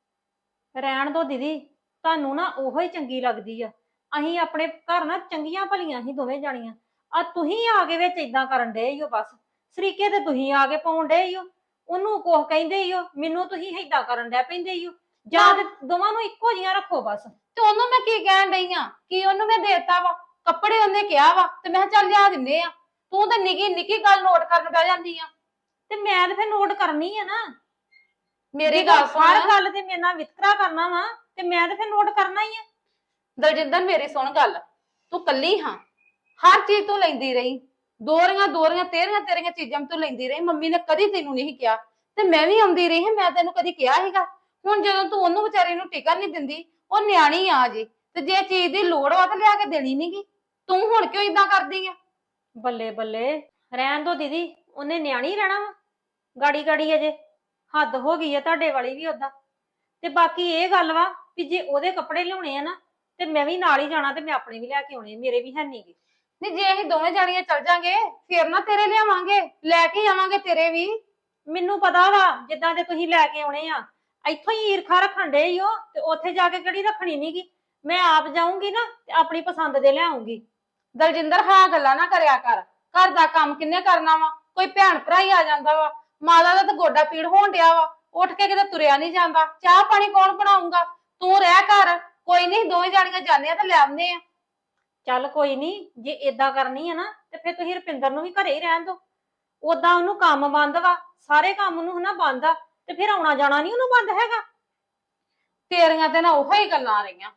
ਰਹਿਣ ਦੋ ਦੀਦੀ, ਤੁਹਾਨੂੰ ਨਾ ਉਹੋ ਹੀ ਚੰਗੀ ਲੱਗਦੀ ਆ। ਅਸੀਂ ਆਪਣੇ ਘਰ ਨਾ ਚੰਗੀਆਂ ਭਲੀਆਂ ਸੀ ਦੋਵੇਂ ਜਾਣੀਆਂ, ਆ ਤੁਸੀਂ ਆ ਕੇ ਵਿੱਚ ਇਦਾਂ ਕਰਨ ਡਏ ਹੋ। ਬਸ ਸਰੀਕੇ ਤੇ ਤੁਸੀਂ ਆ ਕੇ ਪਾਉਣ ਡਏ ਹੋ, ਉਹਨੂੰ ਕੁਝ ਕਹਿੰਦੇ ਹੀ ਹੋ, ਮੈਨੂੰ ਤੁਸੀਂ ਏਦਾਂ ਕਰਨ ਡੈ ਪੈਂਦੇ ਹੀ ਹੋ। ਜਾਂ ਤੇ ਦੋਵਾਂ ਨੂੰ ਇੱਕੋ ਜਿਹੀਆਂ ਰੱਖੋ ਬਸ।
ਤੇ ਉਹਨੂੰ ਮੈਂ ਕੀ ਕਹਿਣ ਡਈ ਆ? ਕੀ ਉਹਨੂੰ ਮੈਂ ਦੇਤਾ ਵਾ? ਕੱਪੜੇ ਉਹਨੇ ਕਿਹਾ ਵਾ ਤੇ ਮੈਂ ਕਿਹਾ ਚੱਲ ਲਿਆ ਦਿੰਦੇ ਆ। ਤੂੰ ਤਾਂ ਨਿੱਕੀ ਨਿੱਕੀ ਗੱਲ ਨੋਟ ਕਰਨ ਬਹਿ ਜਾਂਦੀ ਆ।
ਤੇ ਮੈਂ ਤੇ ਫਿਰ ਨੋਟ ਕਰਨੀ ਆ ਨਾ।
ਮੇਰੀ ਗੱਲ ਸੁਣ,
ਹਰ ਗੱਲ ਤੇ ਮੇਰੇ ਨਾਲ ਵਿਤਕਰਾ ਕਰਨਾ ਵਾ ਤੇ ਮੈਂ ਤੇ ਫਿਰ ਨੋਟ ਕਰਨਾ ਹੀ ਆ।
ਦਲਜਿੰਦਰ ਮੇਰੀ ਸੁਣ ਗੱਲ, ਤੂੰ ਕੱਲੀ ਹਾਂ, ਹਰ ਚੀਜ਼ ਤੂੰ ਲੈਂਦੀ ਰਹੀ, ਦੋਰੀਆਂ ਦੋਰੀਆਂ ਤੇਰੀਆਂ ਤੇਰੀਆਂ ਚੀਜ਼ਾਂ ਤੂੰ ਲੈਂਦੀ ਰਹੀ। ਮੰਮੀ ਨੇ ਕਦੀ ਤੈਨੂੰ ਨਹੀਂ ਕਿਹਾ ਤੇ ਮੈਂ ਵੀ ਆਉਂਦੀ ਰਹੀ ਹਾਂ, ਮੈਂ ਤੈਨੂੰ ਕਦੀ ਕਿਹਾ ਸੀਗਾ? ਹੁਣ ਜਦੋਂ ਤੂੰ ਉਹਨੂੰ ਵਿਚਾਰੀ ਨੂੰ ਟਿਕਣ ਨਹੀਂ ਦਿੰਦੀ, ਉਹ ਨਿਆਣੀ ਆ ਜੀ, ਤੇ ਜੇ ਚੀਜ਼ ਦੀ ਲੋੜ ਵਾ ਤਾਂ ਲਿਆ ਕੇ ਦੇਣੀ ਨਹੀਂਗੀ। ਤੂੰ ਹੁਣ ਕਿਉਂ ਇਦਾਂ ਕਰਦੀ ਆ?
ਬੱਲੇ ਬੱਲੇ, ਰਹਿਣ ਦੋ ਦੀਦੀ, ਉਹਨੇ ਨਿਆਣੀ ਰਹਿਣਾ ਵਾ ਗਾੜੀ ਗਾੜੀ। ਅਜੇ ਹੱਦ ਹੋ ਗਈ ਆ ਤੁਹਾਡੇ ਵਾਲੀ ਵੀ ਓਦਾਂ। ਤੇ ਬਾਕੀ ਇਹ ਗੱਲ ਵਾ ਵੀ ਜੇ ਉਹਦੇ ਕੱਪੜੇ ਲਿਆਉਣੇ ਆ ਨਾ ਤੇ ਮੈਂ ਵੀ ਨਾਲ ਹੀ ਜਾਣਾ, ਤੇ ਮੈਂ ਆਪਣੇ ਵੀ ਲੈ ਕੇ ਆਉਣੇ, ਮੇਰੇ ਵੀ ਹੈ ਨੀਗੇ।
ਨਹੀਂ ਜੇ ਅਸੀਂ ਦੋਵੇਂ ਜਾਣੀਆਂ ਚੱਲ ਜਾਾਂਗੇ ਫਿਰ ਨਾ ਤੇਰੇ ਲਿਆਵਾਂਗੇ, ਲੈ ਕੇ ਆਵਾਂਗੇ ਤੇਰੇ ਵੀ।
ਮੈਨੂੰ ਪਤਾ ਵਾ ਜਿੱਦਾਂ ਦੇ ਤੁਸੀਂ ਲੈ ਕੇ ਆਉਣੇ ਆ, ਇੱਥੋਂ ਹੀ ਈਰਖਾ ਰੱਖਣ ਡੇ ਹੀ ਹੋ, ਤੇ ਉੱਥੇ ਜਾ ਕੇ ਕਿਹੜੀ ਰੱਖਣੀ ਨੀਗੀ। ਮੈਂ ਆਪ ਜਾਊਂਗੀ ਨਾ ਤੇ ਆਪਣੀ ਪਸੰਦ ਦੇ ਲਿਆਉਂਗੀ।
ਦਲਜਿੰਦਰ ਹਾਂ ਗੱਲਾਂ ਨਾ ਕਰਿਆ ਕਰ, ਘਰ ਦਾ ਕੰਮ ਕਿੰਨੇ ਕਰਨਾ ਵਾ? ਕੋਈ ਭੈਣ ਭਰਾ ਹੀ ਆ ਜਾਂਦਾ ਵਾ। ਮਾਤਾ ਦਾ ਤਾਂ ਗੋਡਾ ਪੀੜ ਹੋਣ ਡਿਆ ਵਾ, ਉੱਠ ਕੇ ਕਿਤੇ ਤੁਰਿਆ ਨਹੀਂ ਜਾਂਦਾ, ਚਾਹ ਪਾਣੀ ਕੌਣ ਬਣਾਊਗਾ? ਤੂੰ ਰਹਿ ਘਰ, ਕੋਈ ਨਹੀਂ ਦੋਵੇਂ ਜਾਣੀਆਂ ਜਾਂਦੇ ਆ ਤੇ ਲੈ ਆਉਂਦੇ ਆ।
ਚੱਲ ਕੋਈ ਨਹੀਂ, ਜੇ ਏਦਾਂ ਕਰਨੀ ਆ ਨਾ ਤੇ ਫਿਰ ਤੁਸੀਂ ਰੁਪਿੰਦਰ ਨੂੰ ਵੀ ਘਰੇ ਹੀ ਰਹਿਣ ਦਿਓ। ਓਦਾਂ ਉਹਨੂੰ ਕੰਮ ਬੰਦ ਵਾ, ਸਾਰੇ ਕੰਮ ਉਹਨੂੰ ਹਨਾ ਬੰਦ ਆ, ਤੇ ਫਿਰ ਆਉਣਾ ਜਾਣਾ ਨਹੀਂ ਉਹਨੂੰ ਬੰਦ ਹੈਗਾ।
ਤੇਰੀਆਂ ਤੇ ਨਾ ਉਹੋ ਹੀ ਗੱਲਾਂ ਆ ਰਹੀਆਂ,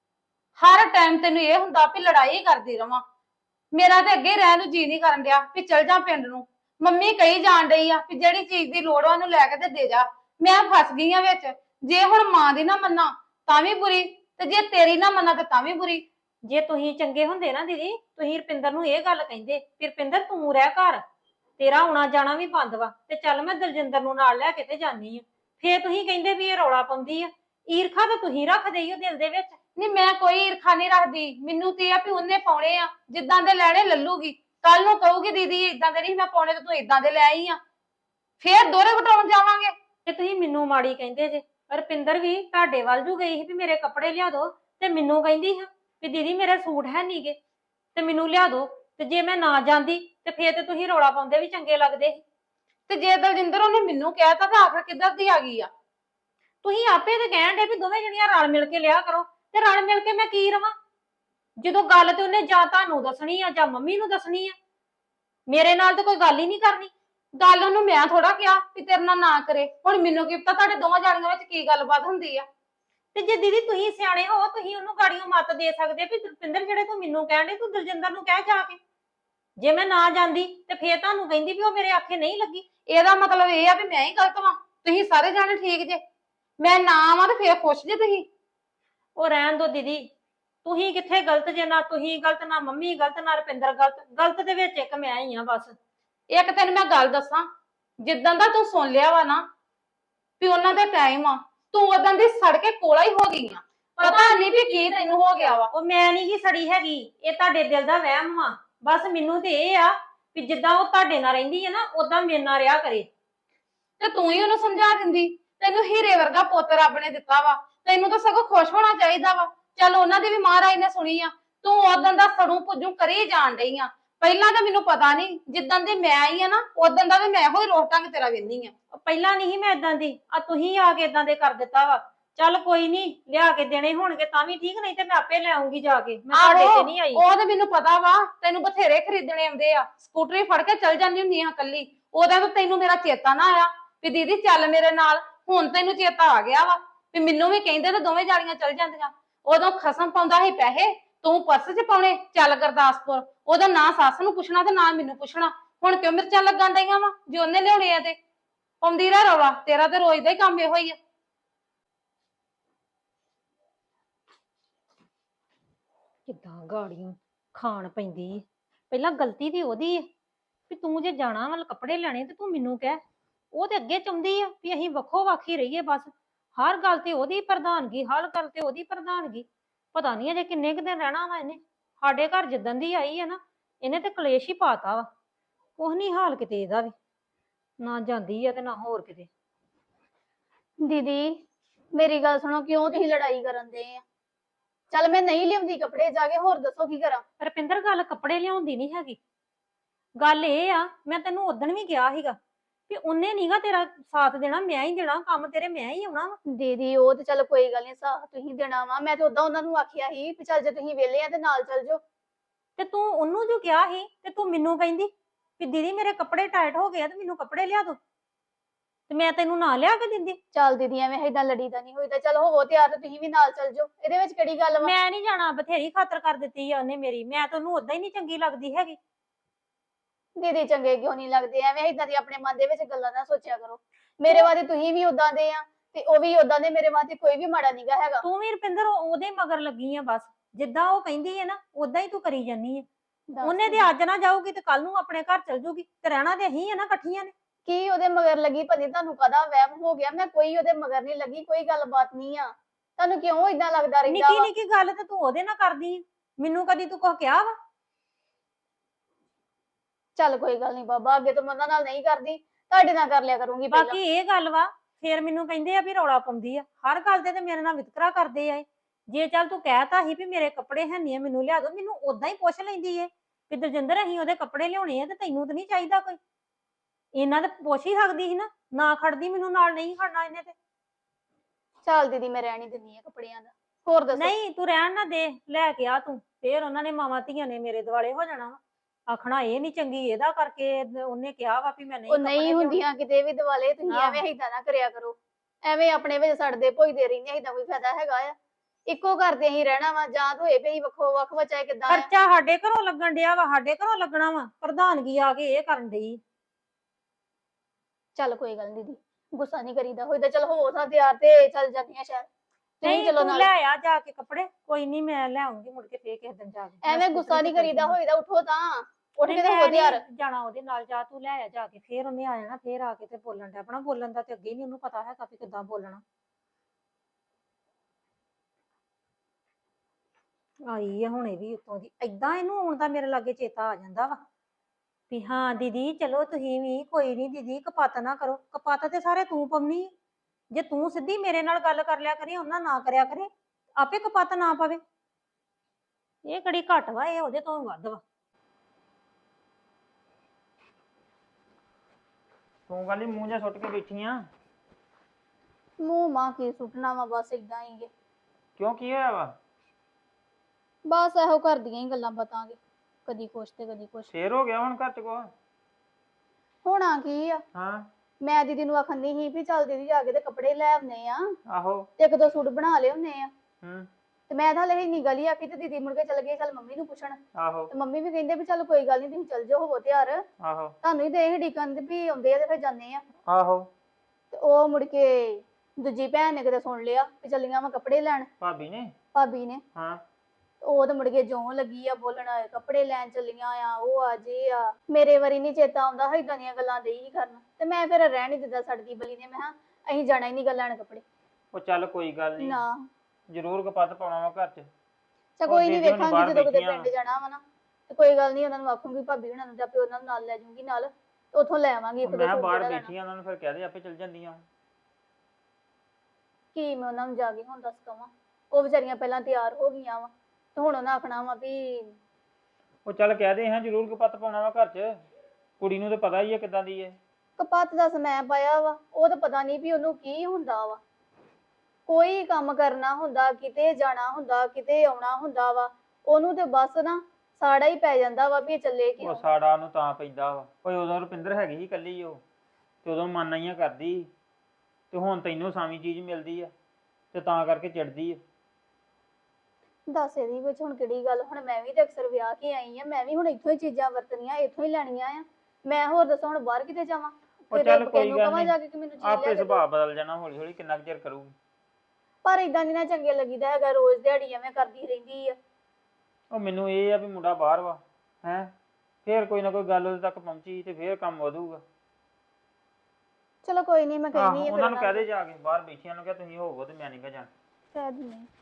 ਹਰ ਟਾਈਮ ਤੈਨੂੰ ਇਹ ਹੁੰਦਾ ਵੀ ਲੜਾਈ ਕਰਦੀ ਰਵਾਂ। ਮੇਰਾ ਤੇ ਅੱਗੇ ਰਹਿਣ ਨੂੰ ਜੀ ਨਹੀਂ ਕਰਨ ਡਿਆ ਵੀ ਚਲ ਜਾ ਪਿੰਡ ਨੂੰ। ਮੰਮੀ ਕਹੀ ਜਾਣ ਡਈ ਆ ਵੀ ਜਿਹੜੀ ਚੀਜ਼ ਦੀ ਲੋੜ ਆ ਉਹਨੂੰ ਲੈ ਕੇ ਤੇ ਦੇ ਜਾ। ਮੈਂ ਫਸ ਗਈ ਆ ਵਿੱਚ, ਜੇ ਹੁਣ ਮਾਂ ਦੀ ਨਾ ਮੰਨਾ ਤਾਂ ਵੀ ਬੁਰੀ, ਤੇ ਜੇ ਤੇਰੀ ਨਾ ਮੰਨਾ ਤੇ ਤਾਂ ਵੀ ਬੁਰੀ।
ਜੇ ਤੁਸੀਂ ਚੰਗੇ ਹੁੰਦੇ ਨਾ ਦੀਦੀ, ਤੁਸੀਂ ਰੁਪਿੰਦਰ ਨੂੰ ਇਹ ਗੱਲ ਕਹਿੰਦੇ ਵੀ ਰੁਪਿੰਦਰ ਤੂੰ ਰਹਿ ਘਰ, ਤੇਰਾ ਆਉਣਾ ਜਾਣਾ ਵੀ ਬੰਦ ਵਾ ਤੇ ਚੱਲ ਮੈਂ ਦਲਜਿੰਦਰ ਨੂੰ ਨਾਲ ਲੈ ਕੇ ਤੇ ਜਾਨੀ ਆ। ਫੇਰ ਤੁਸੀਂ ਕਹਿੰਦੇ ਵੀ ਇਹ ਰੌਲਾ ਪਾਉਂਦੀ ਆ। ਈਰਖਾ ਤਾਂ ਤੁਸੀਂ ਰੱਖਦੇ ਹੀ ਹੋ ਦਿਲ ਦੇ ਵਿੱਚ।
ਨਹੀਂ ਮੈਂ ਕੋਈ ਈਰਖਾ ਨਹੀਂ ਰੱਖਦੀ, ਮੈਨੂੰ ਤੇ ਆ ਵੀ ਉਹਨੇ ਪਾਉਣੇ ਆ, ਜਿੱਦਾਂ ਦੇ ਲੈਣੇ ਲੱਲੂਗੀ। ਕੱਲ ਨੂੰ ਕਹੂਗੀ ਦੀਦੀ ਇਦਾਂ ਦੇ ਨਹੀਂ ਮੈਂ ਪਾਉਣੇ ਤੇ ਤੂੰ ਇਦਾਂ ਦੇ ਲੈ ਆਈ ਆ, ਫੇਰ ਦੋਹਰੇ ਵਟਾਉਣ ਜਾਵਾਂਗੇ।
ਤੇ ਤੁਸੀਂ ਮੈਨੂੰ ਮਾੜੀ ਕਹਿੰਦੇ ਜੇ। ਰੁਪਿੰਦਰ ਵੀ ਤੁਹਾਡੇ ਵੱਲ ਜੂ ਗਈ ਸੀ ਵੀ ਮੇਰੇ ਕੱਪੜੇ ਲਿਆ ਦੋ, ਤੇ ਮੈਨੂੰ ਕਹਿੰਦੀ ਹਾਂ ਵੀ ਦੀਦੀ ਮੇਰੇ ਸੂਟ ਹੈ ਨਹੀਂਗੇ ਤੇ ਮੈਨੂੰ ਲਿਆ ਦੋ। ਤੇ ਜੇ ਮੈਂ ਨਾ ਜਾਂਦੀ ਤੇ ਫੇਰ ਤੇ ਤੁਸੀਂ ਰੌਲਾ ਪਾਉਂਦੇ ਵੀ ਚੰਗੇ ਲੱਗਦੇ ਸੀ।
ਤੇ ਜੇ ਦਲਜਿੰਦਰ ਉਹਨੇ ਮੈਨੂੰ ਕਹਿਤਾ ਤਾਂ ਆਖਰ ਕਿੱਧਰ ਦੀ ਆ ਗਈ ਆ?
ਤੁਸੀਂ ਆਪੇ ਤੇ ਕਹਿਣ ਦੇ ਵੀ ਦੋਵੇਂ ਜਣੀਆਂ ਰਲ ਮਿਲ ਕੇ ਲਿਆ ਕਰੋ, ਤੇ ਰਲ ਮਿਲ ਕੇ ਮੈਂ ਕੀ ਰਵਾਂ ਜਦੋਂ ਗੱਲ ਤੇ ਉਹਨੇ ਜਾਂ ਤੁਹਾਨੂੰ ਦੱਸਣੀ ਆ ਜਾਂ ਮੰਮੀ ਨੂੰ ਦੱਸਣੀ ਆ। ਮੇਰੇ ਨਾਲ ਤੇ ਕੋਈ ਗੱਲ ਹੀ ਨਹੀਂ ਕਰਨੀ।
ਗੱਲ ਉਹਨੂੰ ਮੈਂ ਥੋੜਾ ਕਿਹਾ ਵੀ ਤੇਰੇ ਨਾਲ ਨਾ ਕਰੇ, ਹੁਣ ਮੈਨੂੰ ਕੀ ਪਤਾ ਤੁਹਾਡੇ ਦੋਵਾਂ ਜਾਣੀਆਂ ਵਿੱਚ ਕੀ ਗੱਲਬਾਤ ਹੁੰਦੀ ਆ।
ਤੇ ਜੇ ਦੀਦੀ ਤੁਸੀਂ ਸਿਆਣੇ ਹੋ, ਤੁਸੀਂ ਉਹਨੂੰ ਗਾੜੀਆਂ ਮੱਤ ਦੇ ਸਕਦੇ ਵੀ ਰੁਪਿੰਦਰ ਜਿਹੜੇ ਤੂੰ ਮੈਨੂੰ ਕਹਿਣ ਡਈ ਤੂੰ ਦਲਜਿੰਦਰ ਨੂੰ ਕਹਿ ਜਾ ਕੇ। ਜੇ ਮੈਂ ਨਾ ਜਾਂਦੀ ਤੇ ਫੇਰ ਤੁਹਾਨੂੰ ਕਹਿੰਦੀ ਵੀ ਉਹ ਮੇਰੇ ਆਖੇ ਨਹੀਂ ਲੱਗੀ।
ਇਹਦਾ ਮਤਲਬ ਇਹ ਆ ਵੀ ਮੈਂ ਹੀ ਗਲਤ ਵਾਂ, ਤੁਸੀਂ ਸਾਰੇ ਜਾਣੇ ਠੀਕ ਜੇ, ਮੈਂ ਨਾ ਆਵਾਂ ਤੇ ਫੇਰ ਖੁਸ਼ ਜੇ ਤੁਸੀਂ।
ਉਹ ਰਹਿਣ ਦੋ ਦੀਦੀ, ਤੁਸੀਂ ਕਿੱਥੇ ਗਲਤ ਜੇ, ਨਾ ਤੁਸੀਂ ਗਲਤ ਨਾ ਮੰਮੀ ਗਲਤ ਨਾ ਰੁਪਿੰਦਰ ਗਲਤ। ਗਲਤ ਦੇ ਵਿੱਚ ਇੱਕ ਮੈਂ ਹੀ ਆ ਬਸ।
ਇੱਕ ਤੈਨੂੰ ਮੈਂ ਗੱਲ ਦੱਸਾਂ, ਜਿੱਦਾਂ ਦਾ ਤੂੰ ਸੁਣ ਲਿਆ ਵਾ ਨਾ ਵੀ ਉਹਨਾਂ ਦੇ ਟਾਈਮ ਆ, ਤੂੰ ਉਦਾਂ ਦੀ ਸੜ ਕੇ ਕੋਲਾ ਹੀ ਹੋ ਗਈ ਆ। ਪਤਾ ਨਹੀਂ ਵੀ ਕੀ ਤੈਨੂੰ ਹੋ ਗਿਆ ਵਾ।
ਉਹ ਮੈਂ ਨਹੀਂ ਗੀ ਸੜੀ ਹੈਗੀ, ਇਹ ਤੁਹਾਡੇ ਦਿਲ ਦਾ ਵਹਿਮ ਵਾ। ਬਸ ਮੈਨੂੰ ਤੇ ਇਹ ਆ ਵੀ ਜਿੱਦਾਂ ਉਹ ਤੁਹਾਡੇ ਨਾਲ ਰਹਿੰਦੀ ਹੈ ਨਾ ਉਦਾਂ ਮੇਰੇ ਨਾਲ ਰਿਹਾ ਕਰੇ।
ਤੇ ਤੂੰ ਹੀ ਉਹਨੂੰ ਸਮਝਾ ਦਿੰਦੀ। ਤੈਨੂੰ ਹੀਰੇ ਵਰਗਾ ਪੁੱਤ ਰੱਬ ਨੇ ਦਿੱਤਾ ਵਾ, ਤੈਨੂੰ ਤਾਂ ਸਗੋਂ ਖੁਸ਼ ਹੋਣਾ ਚਾਹੀਦਾ ਵਾ। ਚੱਲ ਉਹਨਾਂ ਦੀ ਵੀ ਮਹਾਰਾਜ ਨੇ ਸੁਣੀ ਆ, ਤੂੰ ਉਦੋਂ ਦਾ ਸੜੂ ਪੁੱਜੂ ਕਰੀ ਜਾਣ ਡਈ ਆ। ਪਹਿਲਾਂ ਤਾਂ ਮੈਨੂੰ ਪਤਾ ਨਹੀਂ, ਜਿੱਦਾਂ ਦੇ ਮੈਂ ਆਈ ਆ ਨਾ ਉਦੋਂ ਦਾ ਤੇ ਮੈਂ ਹੋਈ ਰੋਟਾਂਗ ਤੇਰਾ ਵੇਂਦੀ ਆ।
ਪਹਿਲਾਂ ਨਹੀਂ ਮੈਂ ਇਦਾਂ ਦੀ, ਆ ਤੁਸੀਂ ਆ ਕੇ ਇਦਾਂ ਦੇ ਕਰ ਦਿੱਤਾ ਵਾ। ਚੱਲ ਕੋਈ ਨਹੀਂ, ਲਿਆ ਕੇ ਦੇਣੇ ਹੋਣਗੇ ਤਾਂ ਵੀ ਠੀਕ, ਨਹੀਂ ਤੇ ਮੈਂ ਆਪੇ ਲੈ ਆਉਂਗੀ ਜਾ ਕੇ। ਮੈਂ ਤੁਹਾਡੇ ਤੇ ਨਹੀਂ ਆਈ।
ਉਹ ਤੇ ਮੈਨੂੰ ਪਤਾ ਵਾ, ਤੈਨੂੰ ਬਥੇਰੇ ਖਰੀਦਣੇ ਆਉਂਦੇ ਆ, ਸਕੂਟਰੀ ਫੜ ਕੇ ਚੱਲ ਜਾਂਦੀ ਹੁੰਦੀ ਆ ਕੱਲੀ। ਉਦੋਂ ਤਾਂ ਤੈਨੂੰ ਮੇਰਾ ਚੇਤਾ ਨਾ ਆਇਆ ਵੀ ਦੀਦੀ ਚੱਲ ਮੇਰੇ ਨਾਲ। ਹੁਣ ਤੈਨੂੰ ਚੇਤਾ ਆ ਗਿਆ ਵਾ ਵੀ ਮੈਨੂੰ ਵੀ ਕਹਿੰਦੇ ਤੇ ਦੋਵੇਂ ਜਾਲੀਆਂ ਚੱਲ ਜਾਂਦੀਆਂ। ਉਦੋਂ ਖਸਮ ਪਾਉਂਦਾ ਸੀ ਪੈਸੇ, ਤੂੰ ਪਰਸ 'ਚ ਪਾਉਣੇ ਚੱਲ ਗੁਰਦਾਸਪੁਰ। ਉਦੋਂ ਨਾ ਸੱਸ ਨੂੰ ਪੁੱਛਣਾ ਤੇ ਨਾ ਮੈਨੂੰ ਪੁੱਛਣਾ। ਹੁਣ ਕਿਉਂ ਮਿਰਚਾਂ ਲੱਗਣ ਡਈਆਂ ਵਾ ਜੇ ਉਹਨੇ ਲਿਆਉਣੇ ਆ? ਤੇ ਪਾਉਂਦੀ ਰਹਿ ਰੌਲਾ, ਤੇਰਾ ਤੇ ਰੋਜ਼ ਦਾ ਹੀ ਕੰਮ ਇਹੋ ਹੀ ਆ।
ਕਿੱਦਾਂ ਗਾੜੀਆਂ ਖਾਣ ਪੈਂਦੀ ਏ। ਪਹਿਲਾਂ ਗਲਤੀ ਦੀ ਉਹਦੀ ਏ ਵੀ ਤੂੰ ਜੇ ਜਾਣਾ ਵੱਲ ਕੱਪੜੇ ਲੈਣੇ ਤੇ ਤੂੰ ਮੈਨੂੰ ਕਹਿ। ਉਹ ਤੇ ਅੱਗੇ ਚਾਹੁੰਦੀ ਆ ਵੀ ਅਸੀਂ ਵੱਖੋ ਵੱਖ ਹੀ ਰਹੀਏ ਬਸ। ਹਰ ਗੱਲ ਤੇ ਉਹਦੀ ਪ੍ਰਧਾਨਗੀ, ਹਰ ਗੱਲ ਤੇ ਉਹਦੀ ਪ੍ਰਧਾਨਗੀ। ਪਤਾ ਨਹੀਂ ਅਜੇ ਕਿੰਨੇ ਕੁ ਦਿਨ ਰਹਿਣਾ ਵਾ ਇਹਨੇ। ਸਾਡੇ ਘਰ ਜਿੱਦਣ ਦੀ ਆਈ ਹੈ ਨਾ ਇਹਨੇ ਤੇ ਕਲੇਸ਼ ਹੀ ਪਾਤਾ ਵਾ। ਕੁਛ ਨਹੀਂ ਹਾਲ ਕਿਤੇ ਇਹਦਾ ਵੀ, ਨਾ ਜਾਂਦੀ ਆ ਤੇ ਨਾ ਹੋਰ ਕਿਤੇ।
ਦੀਦੀ ਮੇਰੀ ਗੱਲ ਸੁਣੋ, ਕਿਉਂ ਤੁਸੀਂ ਲੜਾਈ ਕਰਨ ਦੇ ਆ? ਚੱਲ ਮੈਂ ਨਹੀਂ ਲਿਆਉਂਦੀ ਕੱਪੜੇ, ਜਾ ਕੇ ਹੋਰ ਦੱਸੋ ਕੀ ਕਰਾਂ।
ਰੁਪਿੰਦਰ ਗੱਲ ਕੱਪੜੇ ਲਿਆਉਂਦੀ ਨਹੀਂ ਹੈਗੀ। ਗੱਲ ਇਹ ਆ, ਮੈਂ ਤੈਨੂੰ ਉਦਣ ਵੀ ਕਿਹਾ ਸੀਗਾ ਵੀ ਉਹਨੇ ਨੀਗਾ ਤੇਰਾ ਸਾਥ ਦੇਣਾ, ਮੈਂ ਹੀ ਦੇਣਾ ਕੰਮ, ਤੇਰੇ ਮੈਂ ਹੀ ਆਉਣਾ ਵਾ।
ਦੀਦੀ ਉਹ ਤੇ ਚੱਲ ਕੋਈ ਗੱਲ ਨਹੀਂ, ਸਾਥ ਤੁਸੀਂ ਦੇਣਾ ਵਾ। ਮੈਂ ਤੇ ਉਦਾਂ ਉਹਨਾਂ ਨੂੰ ਆਖਿਆ ਸੀ ਵੀ ਚੱਲ ਜੇ ਤੁਸੀਂ ਵਿਹਲੇ ਆ ਤੇ ਨਾਲ ਚੱਲ ਜਾਓ।
ਤੇ ਤੂੰ ਉਹਨੂੰ ਜੋ ਕਿਹਾ ਸੀ ਤੇ ਤੂੰ ਮੈਨੂੰ ਕਹਿੰਦੀ ਵੀ ਦੀਦੀ ਮੇਰੇ ਕੱਪੜੇ ਟਾਈਟ ਹੋ ਗਏ ਆ ਤੇ ਮੈਨੂੰ ਕੱਪੜੇ ਲਿਆ ਦੋ, ਤੇ ਮੈਂ ਤੈਨੂੰ ਨਾ ਲਿਆ ਕੇ ਦਿੰਦੀ।
ਚੱਲ ਦੀਦੀ ਐਵੇਂ ਏਦਾਂ ਲੜੀਦਾ ਨਹੀਂ ਹੋਈਦਾ। ਚੱਲ ਹੋਵੋ ਤਿਆਰ ਤੇ ਤੁਸੀਂ ਵੀ ਨਾਲ ਚੱਲ ਜਾਓ, ਇਹਦੇ ਵਿੱਚ ਕਿਹੜੀ ਗੱਲ ਵਾ?
ਮੈਂ ਨਹੀਂ ਜਾਣਾ, ਬਥੇਰੀ ਖਾਤਰ ਕਰ ਦਿੱਤੀ ਆ ਉਹਨੇ ਮੇਰੀ। ਮੈਂ ਤਾਂ ਉਹਨੂੰ ਉਦਾਂ ਹੀ ਨਹੀਂ ਚੰਗੀ ਲੱਗਦੀ ਹੈਗੀ।
ਦੀਦੀ ਚੰਗੇ ਕਿਉਂ ਨਹੀਂ ਲੱਗਦੇ? ਐਵੇਂ ਏਦਾਂ ਦੀ ਆਪਣੇ ਮਨ ਦੇ ਵਿੱਚ ਗੱਲਾਂ ਨਾ ਸੋਚਿਆ ਕਰੋ। ਮੇਰੇ ਵਾਸਤੇ ਤੁਸੀਂ ਵੀ ਉਦਾਂ ਦੇ ਆ ਤੇ ਉਹ ਵੀ ਉਦਾਂ ਦੇ। ਮੇਰੇ ਵਾਸਤੇ ਕੋਈ ਵੀ ਮਾੜਾ ਨਹੀਂਗਾ ਹੈਗਾ।
ਤੂੰ ਵੀ ਰੁਪਿੰਦਰ ਉਹਦੇ ਮਗਰ ਲੱਗੀ ਆ ਬਸ। ਜਿੱਦਾਂ ਉਹ ਕਹਿੰਦੀ ਹੈ ਨਾ ਉਦਾਂ ਹੀ ਤੂੰ ਕਰੀ ਜਾਨੀ ਆ। ਉਹਨੇ ਤੇ ਅੱਜ ਨਾ ਜਾਊਗੀ ਤੇ ਕੱਲ ਨੂੰ ਆਪਣੇ ਘਰ ਚਲ ਜੂਗੀ, ਤੇ ਰਹਿਣਾ ਤੇ ਅਸੀਂ ਆ ਨਾ ਇਕੱਠੀਆਂ ਨੇ।
ਕੀ ਉਹਦੇ ਮਗਰ ਲੱਗੀ? ਪਤਾ ਤੁਹਾਨੂੰ ਕਦਾ ਵਹਿਮ ਹੋ ਗਿਆ? ਮੈਂ ਕੋਈ ਉਹਦੇ ਮਗਰ ਨਹੀਂ ਲੱਗੀ, ਕੋਈ ਗੱਲਬਾਤ ਨਹੀਂ ਆ। ਤੁਹਾਨੂੰ ਕਿਉਂ ਇਦਾਂ ਲੱਗਦਾ ਰਹਿੰਦਾ
ਨਿੱਕੀ
ਵਾ?
ਨਿੱਕੀ ਗੱਲ ਤੇ ਤੂੰ ਉਹਦੇ ਨਾਲ ਕਰਦੀ ਆ, ਮੈਨੂੰ ਕਦੀ ਤੂੰ ਕੁਛ ਕਿਹਾ ਵਾ?
ਚੱਲ ਕੋਈ ਗੱਲ ਨਹੀਂ ਬਾਬਾ, ਅੱਗੇ ਤੋਂ ਮੈਂ ਉਹਨਾਂ ਨਾਲ ਨਹੀਂ ਕਰਦੀ, ਤੁਹਾਡੇ ਨਾਲ ਕਰ ਲਿਆ ਕਰੂੰਗੀ ਪਹਿਲਾਂ।
ਬਾਕੀ ਇਹ ਗੱਲ ਵਾ, ਫੇਰ ਮੈਨੂੰ ਕਹਿੰਦੇ ਆ ਵੀ ਰੌਲਾ ਪਾਉਂਦੀ ਆ। ਹਰ ਗੱਲ ਤੇ ਤੇ ਮੇਰੇ ਨਾਲ ਵਿਤਕਰਾ ਕਰਦੇ ਆ ਇਹ। ਜੇ ਚੱਲ ਤੂੰ ਕਹਿਤਾ ਸੀ ਵੀ ਮੇਰੇ ਕੱਪੜੇ ਹੈ ਨਹੀਂ, ਮੈਨੂੰ ਲਿਆ ਦੋ, ਮੈਨੂੰ ਉਦਾਂ ਹੀ ਪੁੱਛ ਲੈਂਦੀ ਏ ਵੀ ਦਲਜਿੰਦਰ ਅਸੀਂ ਉਹਦੇ ਕੱਪੜੇ ਲਿਆਉਣੇ ਆ ਤੇ ਤੈਨੂੰ ਤਾਂ ਨਹੀਂ ਚਾਹੀਦਾ ਕੋਈ? ਇਹਨਾਂ ਤੇ ਪੁੱਛ ਹੀ ਸਕਦੀ ਸੀ ਨਾ, ਨਾ ਖੜਦੀ ਮੈਨੂੰ ਨਾਲ, ਨਹੀਂ ਖੜਨਾ ਇਹਨੇ ਤੇ।
ਚੱਲ ਦੀਦੀ ਮੈਂ ਰਹਿਣ ਹੀ ਦਿੰਨੀ ਆ ਕੱਪੜਿਆਂ ਦਾ, ਹੋਰ ਦੱਸੋ।
ਨਹੀਂ ਤੂੰ ਰਹਿਣ ਨਾ ਦੇ, ਲੈ ਕੇ ਆ ਤੂੰ। ਫੇਰ ਉਹਨਾਂ ਨੇ ਮਾਵਾਂ ਧੀਆਂ ਨੇ ਮੇਰੇ ਦੁਆਲੇ ਹੋ ਜਾਣਾ ਵਾ, ਆਖਣਾ ਇਹ ਨਹੀਂ ਚੰਗੀ ਇਹਦਾ ਕਰਕੇ ਉਹਨੇ ਕਿਹਾ ਵਾ ਵੀ ਮੈਂ ਨਹੀਂ
ਉਹ ਨਹੀਂ ਹੁੰਦੀਆਂ ਕਿਤੇ ਵੀ ਦਿਵਾਲੇ। ਤੁਸੀਂ ਐਵੇਂ ਏਦਾਂ ਨਾ ਕਰਿਆ ਕਰੋ, ਐਵੇਂ ਆਪਣੇ ਵਿੱਚ ਸੜਦੇ ਭੁੱਜਦੇ ਰਹਿੰਦੇ, ਏਦਾਂ ਕੋਈ ਫਾਇਦਾ ਹੈਗਾ ਆ? ਇੱਕੋ ਘਰ ਤੇ ਅਸੀਂ ਰਹਿਣਾ ਵਾ, ਜਾਂ ਤਾਂ ਹੋਏ ਪਈ ਵੱਖੋ ਵੱਖ ਵਚਾਏ ਕਿੱਦਾਂ?
ਖਰਚਾ ਸਾਡੇ ਘਰੋਂ ਲੱਗਣ ਡਿਆ ਵਾ, ਸਾਡੇ ਘਰੋਂ ਲੱਗਣਾ ਵਾ, ਪ੍ਰਧਾਨਗੀ ਆ ਕੇ ਇਹ ਕਰਨ ਡਈ।
ਚੱਲ ਕੋਈ ਗੱਲ ਨੀ ਦੀਦੀ, ਗੁੱਸਾ ਨਹੀਂ ਕਰੀਦਾ ਹੋਈਦਾ। ਚਲ ਹੋ ਤਾਂ ਤਿਆਰ ਤੇ ਚੱਲ ਜਾਂਦੀਆਂ ਸ਼ਾਇਦ।
ਨਹੀਂ
ਚਲੋ
ਤੂੰ
ਨਾਲ
ਲੈ ਆ ਜਾ ਕੇ ਕੱਪੜੇ, ਕੋਈ ਨਹੀਂ ਮੈਂ ਲੈ ਆਉਂਗੀ ਮੁੜ ਕੇ ਫੇਰ ਕਿਸੇ ਦਿਨ ਜਾ ਕੇ।
ਐਵੇਂ ਗੁੱਸਾ ਨਹੀਂ ਕਰੀਦਾ ਹੋਈਦਾ, ਉਠੋ ਤਾਂ। ਉੱਠ
ਨਹੀਂ,
ਕੇ ਤੇ
ਮੈਂ
ਹੋ ਤਿਆਰ।
ਨੀ ਜਾਣਾ ਉਹਦੇ ਨਾਲ, ਜਾ ਤੂੰ ਲੈ ਆ ਜਾ ਕੇ, ਫੇਰ ਉਹਨੇ ਆ ਜਾਣਾ, ਫੇਰ ਆ ਕੇ ਤੇ ਬੋਲਣ ਡਿਆ ਆਪਣਾ। ਬੋਲਣ ਦਾ ਤੇ ਅੱਗੇ ਹੀ ਨੀ ਉਹਨੂੰ ਪਤਾ ਹੈਗਾ ਵੀ ਕਿੱਦਾਂ ਬੋਲਣਾ। ਆਈ ਆ ਹੁਣੇ ਵੀ ਉੱਤੋਂ ਦੀ, ਏਦਾਂ ਇਹਨੂੰ ਆਉਣ ਦਾ ਮੇਰੇ ਲਾਗੇ ਚੇਤਾ ਆ ਜਾਂਦਾ ਵਾ ਵੀ ਹਾਂ ਦੀਦੀ ਚਲੋ ਤੁਸੀਂ ਵੀ, ਕੋਈ ਨਹੀਂ ਦੀਦੀ ਕਪੱਤ ਨਾ ਕਰੋ। ਕਪੱਤ ਤੇ ਸਾਰੇ ਤੂੰ ਪਾਉਣੀ ਆ। ਜੇ ਤੂੰ ਸਿੱਧੀ ਮੇਰੇ ਨਾਲ ਗੱਲ ਕਰ ਲਿਆ ਕਰੀ, ਉਹਨਾਂ ਨਾ ਕਰਿਆ ਕਰੇ, ਆਪੇ ਕਪੱਤ ਨਾ ਪਵੇ। ਇਹ ਕਿਹੜੀ ਘੱਟ ਵਾ, ਇਹ ਉਹਦੇ ਤੋਂ ਵੱਧ ਵਾ।
ਤੂੰ ਗੱਲ ਹੀ ਮੂੰਹ ਜਿਹਾ ਸੁੱਟ ਕੇ ਬੈਠੀ ਆ।
ਮੂੰਹ ਮਾਂ ਕੀ ਸੁੱਟਣਾ ਵਾ, ਬਸ ਇਦਾਂ ਹੀ ਗੇ।
ਕਿਉਂ ਕੀ ਹੋਇਆ ਵਾ?
ਬਸ ਇਹੋ ਘਰ ਦੀਆਂ ਹੀ ਗੱਲਾਂ ਬਤਾਂਗੇ, ਕਦੀ ਕੁਛ ਤੇ ਕਦੀ ਕੁਛ।
ਫੇਰ ਹੋ ਗਿਆ ਹੁਣ ਘਰ ਚ ਕੋ?
ਹੋਣਾ ਕੀ ਆ,
ਹਾਂ
ਮੈਂ ਦੀਦੀ ਨੂੰ ਆਖਣ ਦੀ ਸੀ ਵੀ ਚੱਲ ਦੀਦੀ ਜਾ ਕੇ ਤੇ ਕੱਪੜੇ ਲੈ ਆਉਨੇ ਆ,
ਆਹੋ।
ਤੇ ਇੱਕ ਦੋ ਸੂਟ ਬਣਾ ਲਿਆਉਨੇ ਆ।
ਹੂੰ
ਤੇ ਮੈਂ ਤਾਂ ਹਲੇ ਇੰਨੀ ਗੱਲ ਹੀ ਆਖੀ ਤੇ ਦੀਦੀ ਮੁੜ ਕੇ ਚਲ ਗਏ ਚੱਲ ਮੰਮੀ ਨੂੰ ਪੁੱਛਣ।
ਆਹੋ
ਤੇ ਮੰਮੀ ਵੀ ਕਹਿੰਦੇ ਵੀ ਚੱਲ ਕੋਈ ਗੱਲ ਨਹੀਂ ਤੁਸੀਂ ਚੱਲ ਜਾਓ, ਹੋਵੋ ਤਿਆਰ,
ਆਹੋ
ਤੁਹਾਨੂੰ ਹੀ ਦੇ ਢੀਕਣ ਦੇ ਵੀ ਆਉਂਦੇ ਆ ਤੇ ਫਿਰ ਜਾਂਦੇ ਆ।
ਆਹੋ।
ਤੇ ਉਹ ਮੁੜ ਕੇ ਦੂਜੀ ਭੈਣ ਨੇ ਕਿਤੇ ਸੁਣ ਲਿਆ ਵੀ ਚੱਲੀਆਂ ਵਾ ਕੱਪੜੇ ਲੈਣ,
ਭਾਬੀ ਨੇ?
ਭਾਬੀ ਨੇ।
ਹਾਂ
ਉਹ ਤਾਂ ਮੁੜ ਕੇ ਜਿਉਂ ਲੱਗੀ ਆ ਬੋਲਣ, ਕੱਪੜੇ ਲੈਣ ਚੱਲੀਆਂ ਆ, ਉਹ ਆ ਜੇ ਆ। ਮੇਰੇ ਵਾਰੀ ਨਹੀਂ ਚੇਤਾ ਆਉਂਦਾ, ਏਦਾਂ ਦੀਆਂ ਗੱਲਾਂ ਦੇ ਹੀ ਕਰਨ। ਤੇ ਮੈਂ ਫਿਰ ਰਹਿਣ ਹੀ ਦਿੱਤਾ ਛੱਡਦੀ ਬਲੀ ਨੇ, ਮੈਂ ਕਿਹਾ ਅਸੀਂ ਜਾਣਾ ਹੀ ਨਹੀਂ ਗੱਲ ਲੈਣ ਕੱਪੜੇ।
ਉਹ ਚੱਲ ਕੋਈ ਗੱਲ ਨਹੀਂ,
ਨਾ
ਜ਼ਰੂਰ ਕਪੱਤ ਪਾਉਣਾ ਵਾ ਘਰ ਚ।
ਚਾ ਕੋਈ ਨਹੀਂ,
ਦੀਦੀ ਹੁਣੀ
ਵੇਖਾਂਗੀ
ਬਾਹਰ
ਜਦੋਂ ਕਿਤੇ
ਬੈਠੀਆਂ
ਪਿੰਡ ਜਾਣਾ ਵਾ ਨਾ, ਤੇ ਕੋਈ ਗੱਲ ਨਹੀਂ ਉਹਨਾਂ ਨੂੰ ਆਖੂੰਗੀ ਭਾਬੀ ਉਹਨਾਂ ਨੂੰ ਜਾਂ ਪਿਓ ਉਹਨਾਂ ਨੂੰ ਨਾਲ ਲੈ ਜਾਊਂਗੀ ਨਾਲ, ਤੇ ਉੱਥੋਂ ਲੈ ਆਵਾਂਗੀ ਇੱਕ ਦੋ
ਮੈਂ
ਸੂਟ
ਬਾਹਰ
ਜਿਹੜਾ ਲੈਣਾ।
ਬੈਠੀ ਆ, ਉਹਨਾਂ ਨੂੰ ਫਿਰ ਕਹਿ ਦੇ ਆਪੇ ਚੱਲ ਜਾਂਦੀਆਂ।
ਕੀ ਮੈਂ ਉਹਨਾਂ ਨੂੰ ਜਾ ਕੇ ਹੁਣ ਦੱਸ ਕਵਾਂ, ਉਹ ਵਿਚਾਰੀਆਂ ਪਹਿਲਾਂ ਤਿਆਰ ਹੋ ਗਈਆਂ ਵਾ, ਤੇ ਹੁਣ ਉਹਨਾਂ ਆਖਣਾ ਵਾ ਵੀ
ਉਹ ਚੱਲ ਕਹਿ ਦੇ ਹਾਂ ਜ਼ਰੂਰ ਕਪੱਤ ਪਾਉਣਾ ਵਾ ਘਰ ਚ, ਕੁੜੀ ਨੂੰ ਤਾਂ ਪਤਾ ਹੀ ਆ ਕਿੱਦਾਂ ਦੀ ਹੈ।
ਕਪੱਤ ਦੱਸ ਮੈਂ ਪਾਇਆ ਵਾ, ਉਹ ਤਾਂ ਪਤਾ ਨਹੀਂ ਵੀ ਉਹਨੂੰ ਕੀ ਹੁੰਦਾ ਵਾ। ਕੋਈ ਕੰਮ ਕਰਨਾ ਹੁੰਦਾ, ਕਿਤੇ ਜਾਣਾ ਹੁੰਦਾ, ਕਿਤੇ ਆਉਣਾ ਹੁੰਦਾ ਵਾ, ਉਹਨੂੰ ਤੇ ਬਸ ਨਾ ਸਾੜਾ ਹੀ ਪੈ ਜਾਂਦਾ ਵਾ ਵੀ ਇਹ ਚੱਲੇ
ਉਹ
ਕਿਉਂ।
ਸਾੜਾ ਨੂੰ ਤਾਂ ਪੈਂਦਾ ਵਾ, ਓਏ ਉਦੋਂ ਰੁਪਿੰਦਰ ਹੈਗੀ ਸੀ ਇਕੱਲੀ ਉਹ, ਤੇ ਉਦੋਂ ਮਾਨਾਈਆਂ ਕਰਦੀ, ਤੇ ਹੁਣ ਤੈਨੂੰ ਸਾਵੀਂ ਚੀਜ਼ ਮਿਲਦੀ ਆ ਤੇ ਤਾਂ ਕਰਕੇ ਚਿੜਦੀ ਆ।
ਦੱਸ ਇਹਦੀ ਵਿੱਚ ਹੁਣ ਕਿਹੜੀ ਗੱਲ, ਹੁਣ ਮੈਂ ਵੀ ਤੇ ਅਕਸਰ ਵਿਆਹ ਕੇ ਆਈ ਆ, ਮੈਂ ਵੀ ਹੁਣ ਇੱਥੋਂ ਹੀ ਚੀਜ਼ਾਂ ਵਰਤਣੀਆਂ, ਇੱਥੋਂ ਹੀ ਲੈਣੀਆਂ ਆ। ਮੈਂ ਹੋਰ ਦੱਸੋ ਹੁਣ ਬਾਹਰ ਕਿਤੇ ਜਾਵਾਂ,
ਉਹ
ਫਿਰ
ਚੱਲ
ਕਿਸੇ
ਕੋਈ
ਨੂੰ
ਗੱਲ
ਕਵਾਂ
ਨਹੀਂ,
ਜਾ ਕੇ ਕਿ ਮੈਨੂੰ ਚੀਜ਼ ਲੈ
ਆਪੇ
ਕੇ ਦਿਓ।
ਸੁਭਾਅ ਬਦਲ ਜਾਣਾ ਹੌਲੀ ਹੌਲੀ, ਕਿੰਨਾ ਕੁ ਚਿਰ ਕਰੂਗੀ।
ਪਰ ਇਦਾਂ ਨਹੀਂ ਨਾ ਚੰਗੇ ਲੱਗੀਦਾ ਹੈਗਾ, ਰੋਜ਼ ਦਿਹਾੜੀ ਐਵੇਂ ਕਰਦੀ ਰਹਿੰਦੀ ਆ।
ਉਹ ਮੈਨੂੰ ਇਹ ਆ ਵੀ ਮੁੰਡਾ ਬਾਹਰ ਵਾ ਹੈ, ਫੇਰ ਕੋਈ ਨਾ ਕੋਈ ਗੱਲ ਉਹਦੇ ਤੱਕ ਪਹੁੰਚੀ ਤੇ ਫੇਰ ਕੰਮ ਵਧੂਗਾ।
ਚਲੋ ਕੋਈ ਨਹੀਂ, ਮੈਂ
ਆਹੋ
ਕਹਿੰਦੀ ਆ
ਉਹਨਾਂ ਨੂੰ ਕਹਿ ਦੇ ਜਾ ਕੇ, ਬਾਹਰ ਬੈਠੀਆਂ ਨੂੰ ਕਹਿ ਤੁਸੀਂ ਹੋਵੋ ਤੇ ਮੈਂ ਨਹੀਂ ਗਾ ਜਾਣਾ।
ਕਹਿ ਦਿੰਦੀ ਹਾਂ।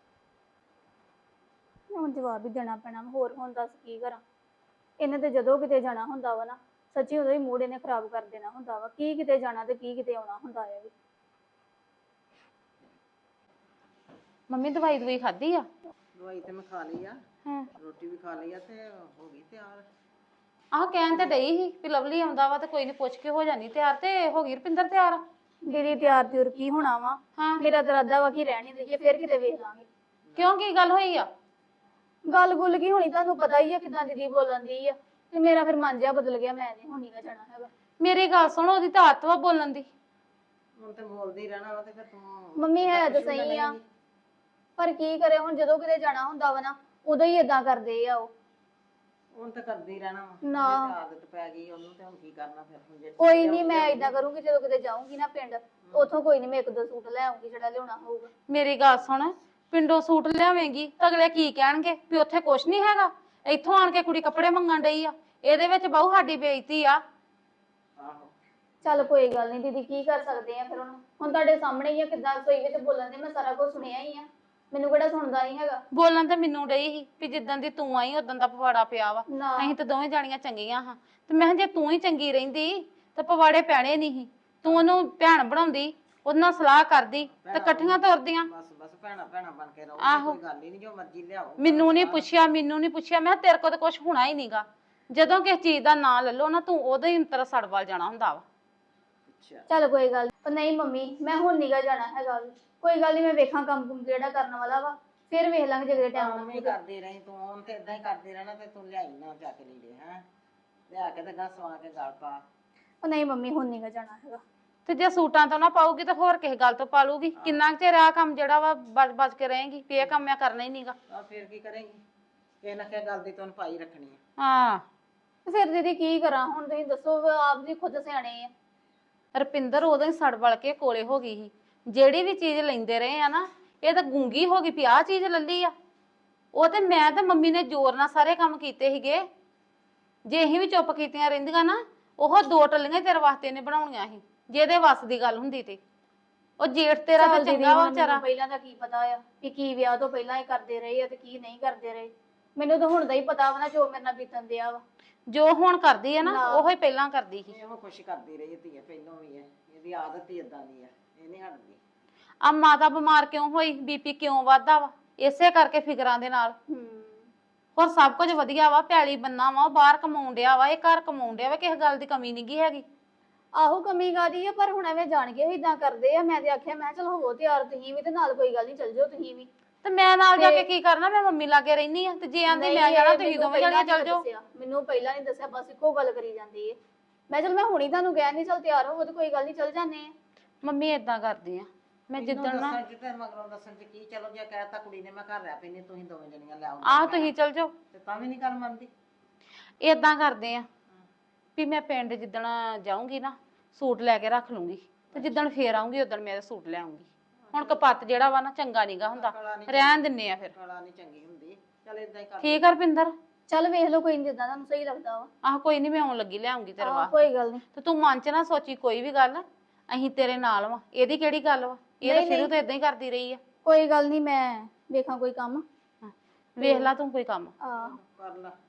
ਹੁਣ ਜਵਾਬ ਹੀ ਦੇਣਾ ਪੈਣਾ ਵਾ, ਹੋਰ ਹੁਣ ਦੱਸ ਕੀ ਕਰਾਂ। ਇਹਨੇ ਤੇ ਜਦੋਂ ਕਿਤੇ ਜਾਣਾ ਹੁੰਦਾ ਵਾ ਨਾ, ਸੱਚੀ ਉਦੋਂ ਹੀ ਮੂਡ ਇਹਨੇ ਖਰਾਬ ਕਰ ਦੇਣਾ ਹੁੰਦਾ ਵਾ, ਕੀ ਕਿਤੇ ਜਾਣਾ ਤੇ ਕੀ ਕਿਤੇ ਆਉਣਾ ਹੁੰਦਾ ਹੈ ਵੀ।
ਮੰਮੀ ਦਵਾਈ ਦਵਾਈ ਖਾਧੀ ਆ?
ਦਵਾਈ ਤੇ ਮੈਂ ਖਾ ਲਈ ਆ,
ਹਾਂ
ਰੋਟੀ ਵੀ ਖਾ ਲਈ ਆ, ਤੇ ਹੋ ਗਈ ਤਿਆਰ।
ਆਹ ਕਹਿਣ ਤੇ ਡਈ ਸੀ ਵੀ ਲਵਲੀ ਆਉਂਦਾ ਵਾ ਤੇ ਕੋਈ ਨੀ ਪੁੱਛ ਕੇ ਹੋ ਜਾਣੀ ਤਿਆਰ, ਤੇ ਹੋ ਗਈ ਰੁਪਿੰਦਰ ਤਿਆਰ?
ਦੀਦੀ ਤਿਆਰ ਤਿਉਰ ਕੀ ਹੋਣਾ ਵਾ,
ਹਾਂ
ਮੇਰਾ ਤਾਂ ਇਰਾਦਾ ਵਾ ਕਿ ਰਹਿਣ ਹੀ ਦੇਈਏ, ਫਿਰ ਕਿਤੇ ਵੇਖ ਲਾਂਗੇ।
ਕਿਉਂ, ਕੀ ਗੱਲ ਹੋਈ ਆ?
ਗੱਲ ਗੁੱਲ ਕੀ ਹੋਣੀ, ਤੁਹਾਨੂੰ ਪਤਾ ਹੀ ਆ ਕਿਦਾਂ ਦੀਦੀ ਬੋਲਣ ਦੀ ਆ, ਤੇ ਮੇਰਾ ਫਿਰ ਮਨ ਜਿਹਾ ਬਦਲ ਗਿਆ, ਮੈਂ ਨਹੀਂ ਹੁਣ ਨਹੀਂ ਜਾਣਾ ਹੈਗਾ।
ਮੇਰੀ ਗੱਲ ਸੁਣ, ਉਹਦੀ ਤਾਂ ਆਦਤ ਵਾ ਬੋਲਣ ਦੀ।
ਹੁਣ ਤੇ ਬੋਲਦੀ ਹੀ ਰਹਿਣਾ ਵਾ, ਤੇ ਫਿਰ ਤੂੰ
ਮੰਮੀ ਹੈ ਤਾਂ ਸਹੀ ਆ, ਪਰ ਕੀ ਕਰੇ ਹੁਣ, ਜਦੋਂ ਕਿਤੇ ਜਾਣਾ ਹੁੰਦਾ ਵਾ ਨਾ ਉਦੋਂ ਹੀ ਏਦਾਂ ਕਰਦੇ ਆ ਉਹ।
ਹੁਣ ਤਾਂ ਕਰਦੀ ਹੀ ਰਹਿਣਾ ਵਾ,
ਨਾ।
ਜੇ ਤੇ ਆਦਤ ਪੈ ਗਈ ਉਹਨੂੰ, ਤੇ ਹੁਣ ਕੀ ਕਰਨਾ ਫਿਰ। ਹੁਣ ਜੇ
ਕੋਈ ਨਹੀਂ, ਮੈਂ ਏਦਾਂ ਕਰੂੰਗੀ, ਜਦੋਂ ਕਿਤੇ ਜਾਊਂਗੀ ਨਾ ਪਿੰਡ, ਉੱਥੋਂ ਕੋਈ ਨਹੀਂ ਮੈਂ ਇੱਕ ਦੋ ਸੂਟ ਲੈ ਆਉਂਗੀ ਜਿਹੜਾ ਲਿਆਉਣਾ ਹੋਊਗਾ।
ਮੇਰੀ ਗੱਲ ਸੁਣ, ਪਿੰਡੋਂ ਸੂਟ ਲਿਆਵੇਂਗੀ ਤਾਂ ਅਗਲੇ ਕੀ ਕਹਿਣਗੇ ਵੀ ਉੱਥੇ ਕੁਛ ਨਹੀਂ ਹੈਗਾ, ਇੱਥੋਂ ਆਣ ਕੇ ਕੁੜੀ ਕੱਪੜੇ ਮੰਗਣ ਡਈ ਆ, ਇਹਦੇ ਵਿੱਚ ਬਹੁ ਸਾਡੀ ਬੇਇੱਜ਼ਤੀ ਆ।
ਆਹੋ
ਚੱਲ ਕੋਈ ਗੱਲ ਨਹੀਂ ਦੀਦੀ, ਕੀ ਕਰ ਸਕਦੇ ਆ ਫਿਰ ਹੁਣ ਹੁਣ ਤੁਹਾਡੇ ਸਾਹਮਣੇ ਹੀ ਆ ਕਿੱਦਾਂ ਰਸੋਈ ਵਿੱਚ ਬੋਲਣ ਦੇ, ਮੈਂ ਸਾਰਾ ਕੁਝ ਸੁਣਿਆ ਹੀ ਆ, ਮੈਨੂੰ ਕਿਹੜਾ ਸੁਣਦਾ ਨਹੀਂ ਹੈਗਾ।
ਬੋਲਣ ਤੇ ਮੈਨੂੰ ਡਈ ਸੀ ਵੀ ਜਿੱਦਾਂ ਦੀ ਤੂੰ ਆਈ ਉਦੋਂ ਦਾ ਪਵਾੜਾ ਪਿਆ ਵਾ,
ਨਾ
ਅਸੀਂ ਤਾਂ ਦੋਵੇਂ ਜਾਣੀਆਂ ਚੰਗੀਆਂ ਹਾਂ, ਤੇ ਮੈਂ ਕਿਹਾ ਜੇ ਤੂੰ ਹੀ ਚੰਗੀ ਰਹਿੰਦੀ ਤਾਂ ਪਵਾੜੇ ਪੈਣੇ ਨਹੀਂ ਸੀ। ਤੂੰ ਉਹਨੂੰ ਭੈਣ ਬਣਾਉਂਦੀ, ਉਹਦੇ ਨਾਲ ਸਲਾਹ ਕਰਦੀ ਤੇ ਇਕੱਠੀਆਂ ਤੁਰਦੀਆਂ।
ਬਸ ਬਸ ਭੈਣਾ ਭੈਣਾ ਬਣ ਕੇ ਰਹੋ,
ਆਹੋ।
ਕੋਈ ਗੱਲ ਹੀ ਨਹੀਂ, ਜੋ ਮਰਜ਼ੀ ਲਿਆਓ।
ਮੈਨੂੰ ਨਹੀਂ ਪੁੱਛਿਆ, ਮੈਨੂੰ ਨਹੀਂ ਪੁੱਛਿਆ, ਮੈਂ ਕਿਹਾ ਤੇਰੇ ਕੋਲ ਤਾਂ ਕੁਝ ਹੋਣਾ ਹੀ ਨਹੀਂਗਾ। ਜਦੋਂ ਕਿਸੇ ਚੀਜ਼ ਦਾ ਨਾਂ ਲੈ ਲਓ ਨਾ, ਤੂੰ ਉਦੋਂ ਹੀ ਤੇਰਾ ਸੜ ਵੱਲ ਜਾਣਾ ਹੁੰਦਾ ਵਾ।
ਅੱਛਾ
ਚੱਲ ਕੋਈ ਗੱਲ ਨੀ। ਨਹੀਂ ਮੰਮੀ, ਮੈਂ ਹੁਣ ਨੀਗਾ ਜਾਣਾ ਹੈਗਾ, ਕੋਈ ਗੱਲ ਨਹੀਂ, ਮੈਂ ਵੇਖਾਂ ਕੰਮ ਕੁਮ ਜਿਹੜਾ ਕਰਨ ਵਾਲਾ ਵਾ, ਫਿਰ ਵੇਖ ਲਾਂਗੇ ਜੇ ਟਾਈਮ
ਕੰਮ ਹੀ ਕਰਦੀ ਰਹੀ ਤੂੰ, ਹੁਣ ਤੇ ਇਦਾਂ ਹੀ ਕਰਦੀ ਰਹਿਣਾ, ਤੇ ਤੂੰ ਲਿਆਈ ਨਾ ਜਾ ਕੇ ਲੀੜੇ ਹੈ, ਲਿਆ ਕੇ ਤੇ ਗਾ ਸਵਾ ਕੇ ਗਲ ਪਾ।
ਉਹ ਨਹੀਂ ਮੰਮੀ, ਹੁਣ ਨੀਗਾ ਜਾਣਾ ਹੈਗਾ।
ਤੇ ਜੇ ਸੂਟਾਂ ਤੋਂ ਨਾ ਪਾਊਗੀ ਤਾਂ ਹੋਰ ਕਿਸੇ ਗੱਲ ਤੋਂ ਪਾ ਲੂਗੀ। ਕਿੰਨਾ ਕੁ ਚਿਰ ਆਹ ਕੰਮ ਜਿਹੜਾ ਵਾ ਬਚ ਬਚ ਕੇ ਰਹੇਗੀ ਵੀ ਇਹ ਕੰਮ ਮੈਂ ਕਰਨਾ ਹੀ ਨਹੀਂਗਾ।
ਆ ਫਿਰ ਕੀ ਕਰੇਂਗੀ, ਕਿਸੇ ਨਾ ਕਿਸੇ ਗੱਲ ਦੀ ਤੈਨੂੰ ਪਾਈ ਰੱਖਣੀ ਹੈ।
ਹਾਂ
ਤੇ ਫਿਰ ਦੀਦੀ ਕੀ ਕਰਾਂ ਹੁਣ, ਤੁਸੀਂ ਦੱਸੋ, ਆਪ ਜੀ ਖੁਦ ਸਿਆਣੇ ਆ।
ਰੁਪਿੰਦਰ ਉਦੋਂ ਹੀ ਸੜ ਵਲ ਕੇ ਕੋਲੇ ਹੋ ਗਈ ਸੀ, ਜਿਹੜੀ ਵੀ ਚੀਜ਼ ਲੈਂਦੇ ਰਹੇ ਆ ਨਾ, ਇਹ ਤਾਂ ਗੂੰਗੀ ਹੋ ਗਈ ਵੀ ਆਹ ਚੀਜ਼ ਲੱਲੀ ਆ। ਉਹ ਤੇ ਮੈਂ ਤੇ ਮੰਮੀ ਨੇ ਜ਼ੋਰ ਨਾਲ ਸਾਰੇ ਕੰਮ ਕੀਤੇ ਸੀਗੇ, ਜੇ ਅਸੀਂ ਵੀ ਚੁੱਪ ਕੀਤੀਆਂ ਰਹਿੰਦੀਆਂ ਨਾ, ਉਹ ਦੋ ਟੱਲੀਆਂ ਤੇਰੇ ਵਾਸਤੇ ਨੇ ਬਣਾਉਣੀਆਂ ਸੀ, ਜੇ ਇਹਦੇ ਵੱਸ ਦੀ ਗੱਲ ਹੁੰਦੀ ਤੇ। ਉਹ ਜੇਠ ਤੇਰਾ ਤਾਂ
ਚੱਲ ਦੀਦੀ,
ਚੰਗਾ ਵਾ
ਹੁਣ
ਵਿਚਾਰਾ।
ਮੈਨੂੰ ਪਹਿਲਾਂ ਦਾ ਕੀ ਪਤਾ ਆ ਵੀ ਕੀ ਵਿਆਹ ਤੋਂ ਪਹਿਲਾਂ ਹੀ ਕਰਦੇ ਰਹੇ ਆ ਤੇ ਕੀ ਨਹੀਂ ਕਰਦੇ ਰਹੇ। ਮੈਨੂੰ ਤਾਂ ਹੁਣ ਦਾ ਹੀ ਪਤਾ ਵਾ ਨਾ ਜੋ ਮੇਰੇ ਨਾਲ ਬੀਤਣ ਦਿਆ ਵਾ।
ਜੋ ਹੁਣ ਕਰਦੀ ਹੈ ਨਾ,
ਨਾ।
ਉਹੋ ਹੀ ਪਹਿਲਾਂ ਕਰਦੀ ਸੀ।
ਇਹੋ ਕੁਛ ਕਰਦੀ ਰਹੀ ਧੀਏ, ਪਹਿਲੋਂ ਵੀ ਹੈ, ਇਹਦੀ ਆਦਤ ਹੀ ਇਦਾਂ ਦੀ ਆ, ਇਹ ਨਹੀਂ ਹਟਦੀ।
ਆ ਮਾਤਾ ਬਿਮਾਰ ਕਿਉਂ ਹੋਈ, ਬੀਪੀ ਕਿਉਂ ਵੱਧਦਾ ਵਾ? ਇਸੇ ਕਰਕੇ ਫਿਕਰਾਂ ਦੇ ਨਾਲ।
ਹੂੰ
ਹੋਰ ਸਭ ਕੁਝ ਵਧੀਆ ਵਾ, ਪੈਲੀ ਬੰਨਾ ਵਾ, ਉਹ ਬਾਹਰ ਕਮਾਉਣ ਡਿਆ ਵਾ, ਇਹ ਘਰ ਕਮਾਉਣ ਡਿਆ ਵਾ, ਕਿਸੇ ਗੱਲ ਦੀ ਕਮੀ ਨੀ ਗੀ ਹੈਗੀ।
ਆਹੋ ਕਮੀ ਕਾਦੀ ਆ, ਪਰ ਹੁਣ ਐਵੇਂ ਜਾਣ ਕੇ ਇਦਾਂ ਕਰਦੇ ਆ। ਮੈਂ ਤੇ ਆਖਿਆ ਮੈਂ ਚਲ ਹੋਵੋ ਤਿਆਰ ਤੁਸੀਂ ਵੀ, ਤੇ ਨਾਲ ਕੋਈ ਗੱਲ ਨਹੀਂ, ਚੱਲ ਜਾਓ ਤੁਸੀਂ ਵੀ।
ਤੇ ਮੈਂ ਨਾਲ ਜਾ
ਤੇ-
ਕੇ ਕੀ ਕਰਨਾ? ਮੈਂ ਮੰਮੀ ਲਾਗੇ ਰਹਿਨੀ ਆ, ਤੇ ਜੇ ਆਂਦੀ
ਨਹੀਂ,
ਮੈਂ ਜਾਣਾ,
ਇਹ
ਤੁਸੀਂ
ਮੈਨੂੰ
ਦੋਵੇਂ
ਪਹਿਲਾਂ
ਜਣੀਆਂ ਚੱਲ
ਨੀ
ਜਾਓ।
ਦੱਸਿਆ, ਮੈਨੂੰ ਪਹਿਲਾਂ ਨਹੀਂ ਦੱਸਿਆ, ਬਸ ਇੱਕੋ ਗੱਲ ਕਰੀ ਜਾਂਦੀ ਏ। ਮੈਂ ਚਲ ਮੈਂ ਹੁਣੀ ਤੁਹਾਨੂੰ ਕਹਿ ਨਹੀਂ, ਚਲ ਤਿਆਰ ਹੋਵੋ ਤੇ ਕੋਈ ਗੱਲ ਨਹੀਂ, ਚੱਲ ਜਾਂਦੇ ਆ।
ਮੰਮੀ ਏਦਾਂ ਕਰਦੀ ਆ, ਮੈਂ ਜਿੱਦਣ ਨਾ
ਦੱਸਣ ਚ ਤੇ ਮਗਰੋਂ ਦੱਸਣ ਚ ਕੀ, ਚਲੋ ਜੇ ਕਹਿਤਾ ਕੁੜੀ ਨੇ ਮੈਂ ਘਰ ਰਹਿ ਪੈਣੀ, ਤੁਸੀਂ ਦੋਵੇਂ ਜਣੀਆਂ ਲੈ ਆਓ
ਆਹ ਤੁਸੀਂ ਚੱਲ ਜਾਓ।
ਤੇ ਤਾਂ ਵੀ ਨਹੀਂ ਗੱਲ ਮੰਨਦੀ।
ਏਦਾਂ ਕਰਦੇ ਆ ਵੀ ਮੈਂ ਪਿੰਡ ਜਿੱਦਣ ਜਾਊਂਗੀ ਨਾ, ਸੂਟ ਲੈ ਕੇ ਰੱਖ ਲੂੰਗੀ, ਤੇ ਜਿੱਦਣ ਫੇਰ ਆਉਂਗੀ ਉਦੋਂ ਮੈਂ ਸੂਟ ਲੈ ਆਉਂਗੀ। ਹੁਣ ਕਪੱਤ ਜਿਹੜਾ ਵਾ ਨਾ, ਚੰਗਾ ਨੀਗਾ ਹੁੰਦਾ, ਰਹਿਣ ਦਿੰਨੇ ਆ ਫਿਰ।
ਕਲਾ ਨਹੀਂ ਚੰਗੀ ਹੁੰਦੀ, ਚਲ ਇਦਾਂ ਹੀ ਕਰ।
ਠੀਕ ਆ ਰਪਿੰਦਰ?
ਚੱਲ ਵੇਖ ਲਓ, ਕੋਈ ਨਹੀਂ ਜਿੱਦਾਂ ਤੁਹਾਨੂੰ ਸਹੀ ਲੱਗਦਾ ਵਾ।
ਆਹ ਕੋਈ ਨਹੀਂ, ਮੈਂ ਆਉਣ ਲੱਗੀ ਲੈ ਆਉਂਗੀ ਤੇਰੇ
ਆਹ,
ਵਾਸਤੇ।
ਕੋਈ ਗੱਲ ਨਹੀਂ।
ਤੇ ਤੂੰ ਮਨ ਚ ਨਾ ਸੋਚੀ ਕੋਈ ਵੀ ਗੱਲ, ਅਸੀਂ ਤੇਰੇ ਨਾਲ ਵਾ। ਇਹਦੀ ਕਿਹੜੀ ਗੱਲ ਵਾ? ਇਹ ਤਾਂ
ਨਹੀਂ,
ਸ਼ੁਰੂ
ਨਹੀਂ।
ਤੋਂ ਏਦਾਂ ਹੀ ਕਰਦੀ ਰਹੀ ਆ।
ਕੋਈ ਗੱਲ ਨਹੀਂ, ਮੈਂ ਵੇਖਾਂ ਕੋਈ ਕੰਮ।
ਵੇਖ ਲਾ ਤੂੰ ਕੋਈ ਕੰਮ।
ਆਹ
ਕਰ ਲਾ।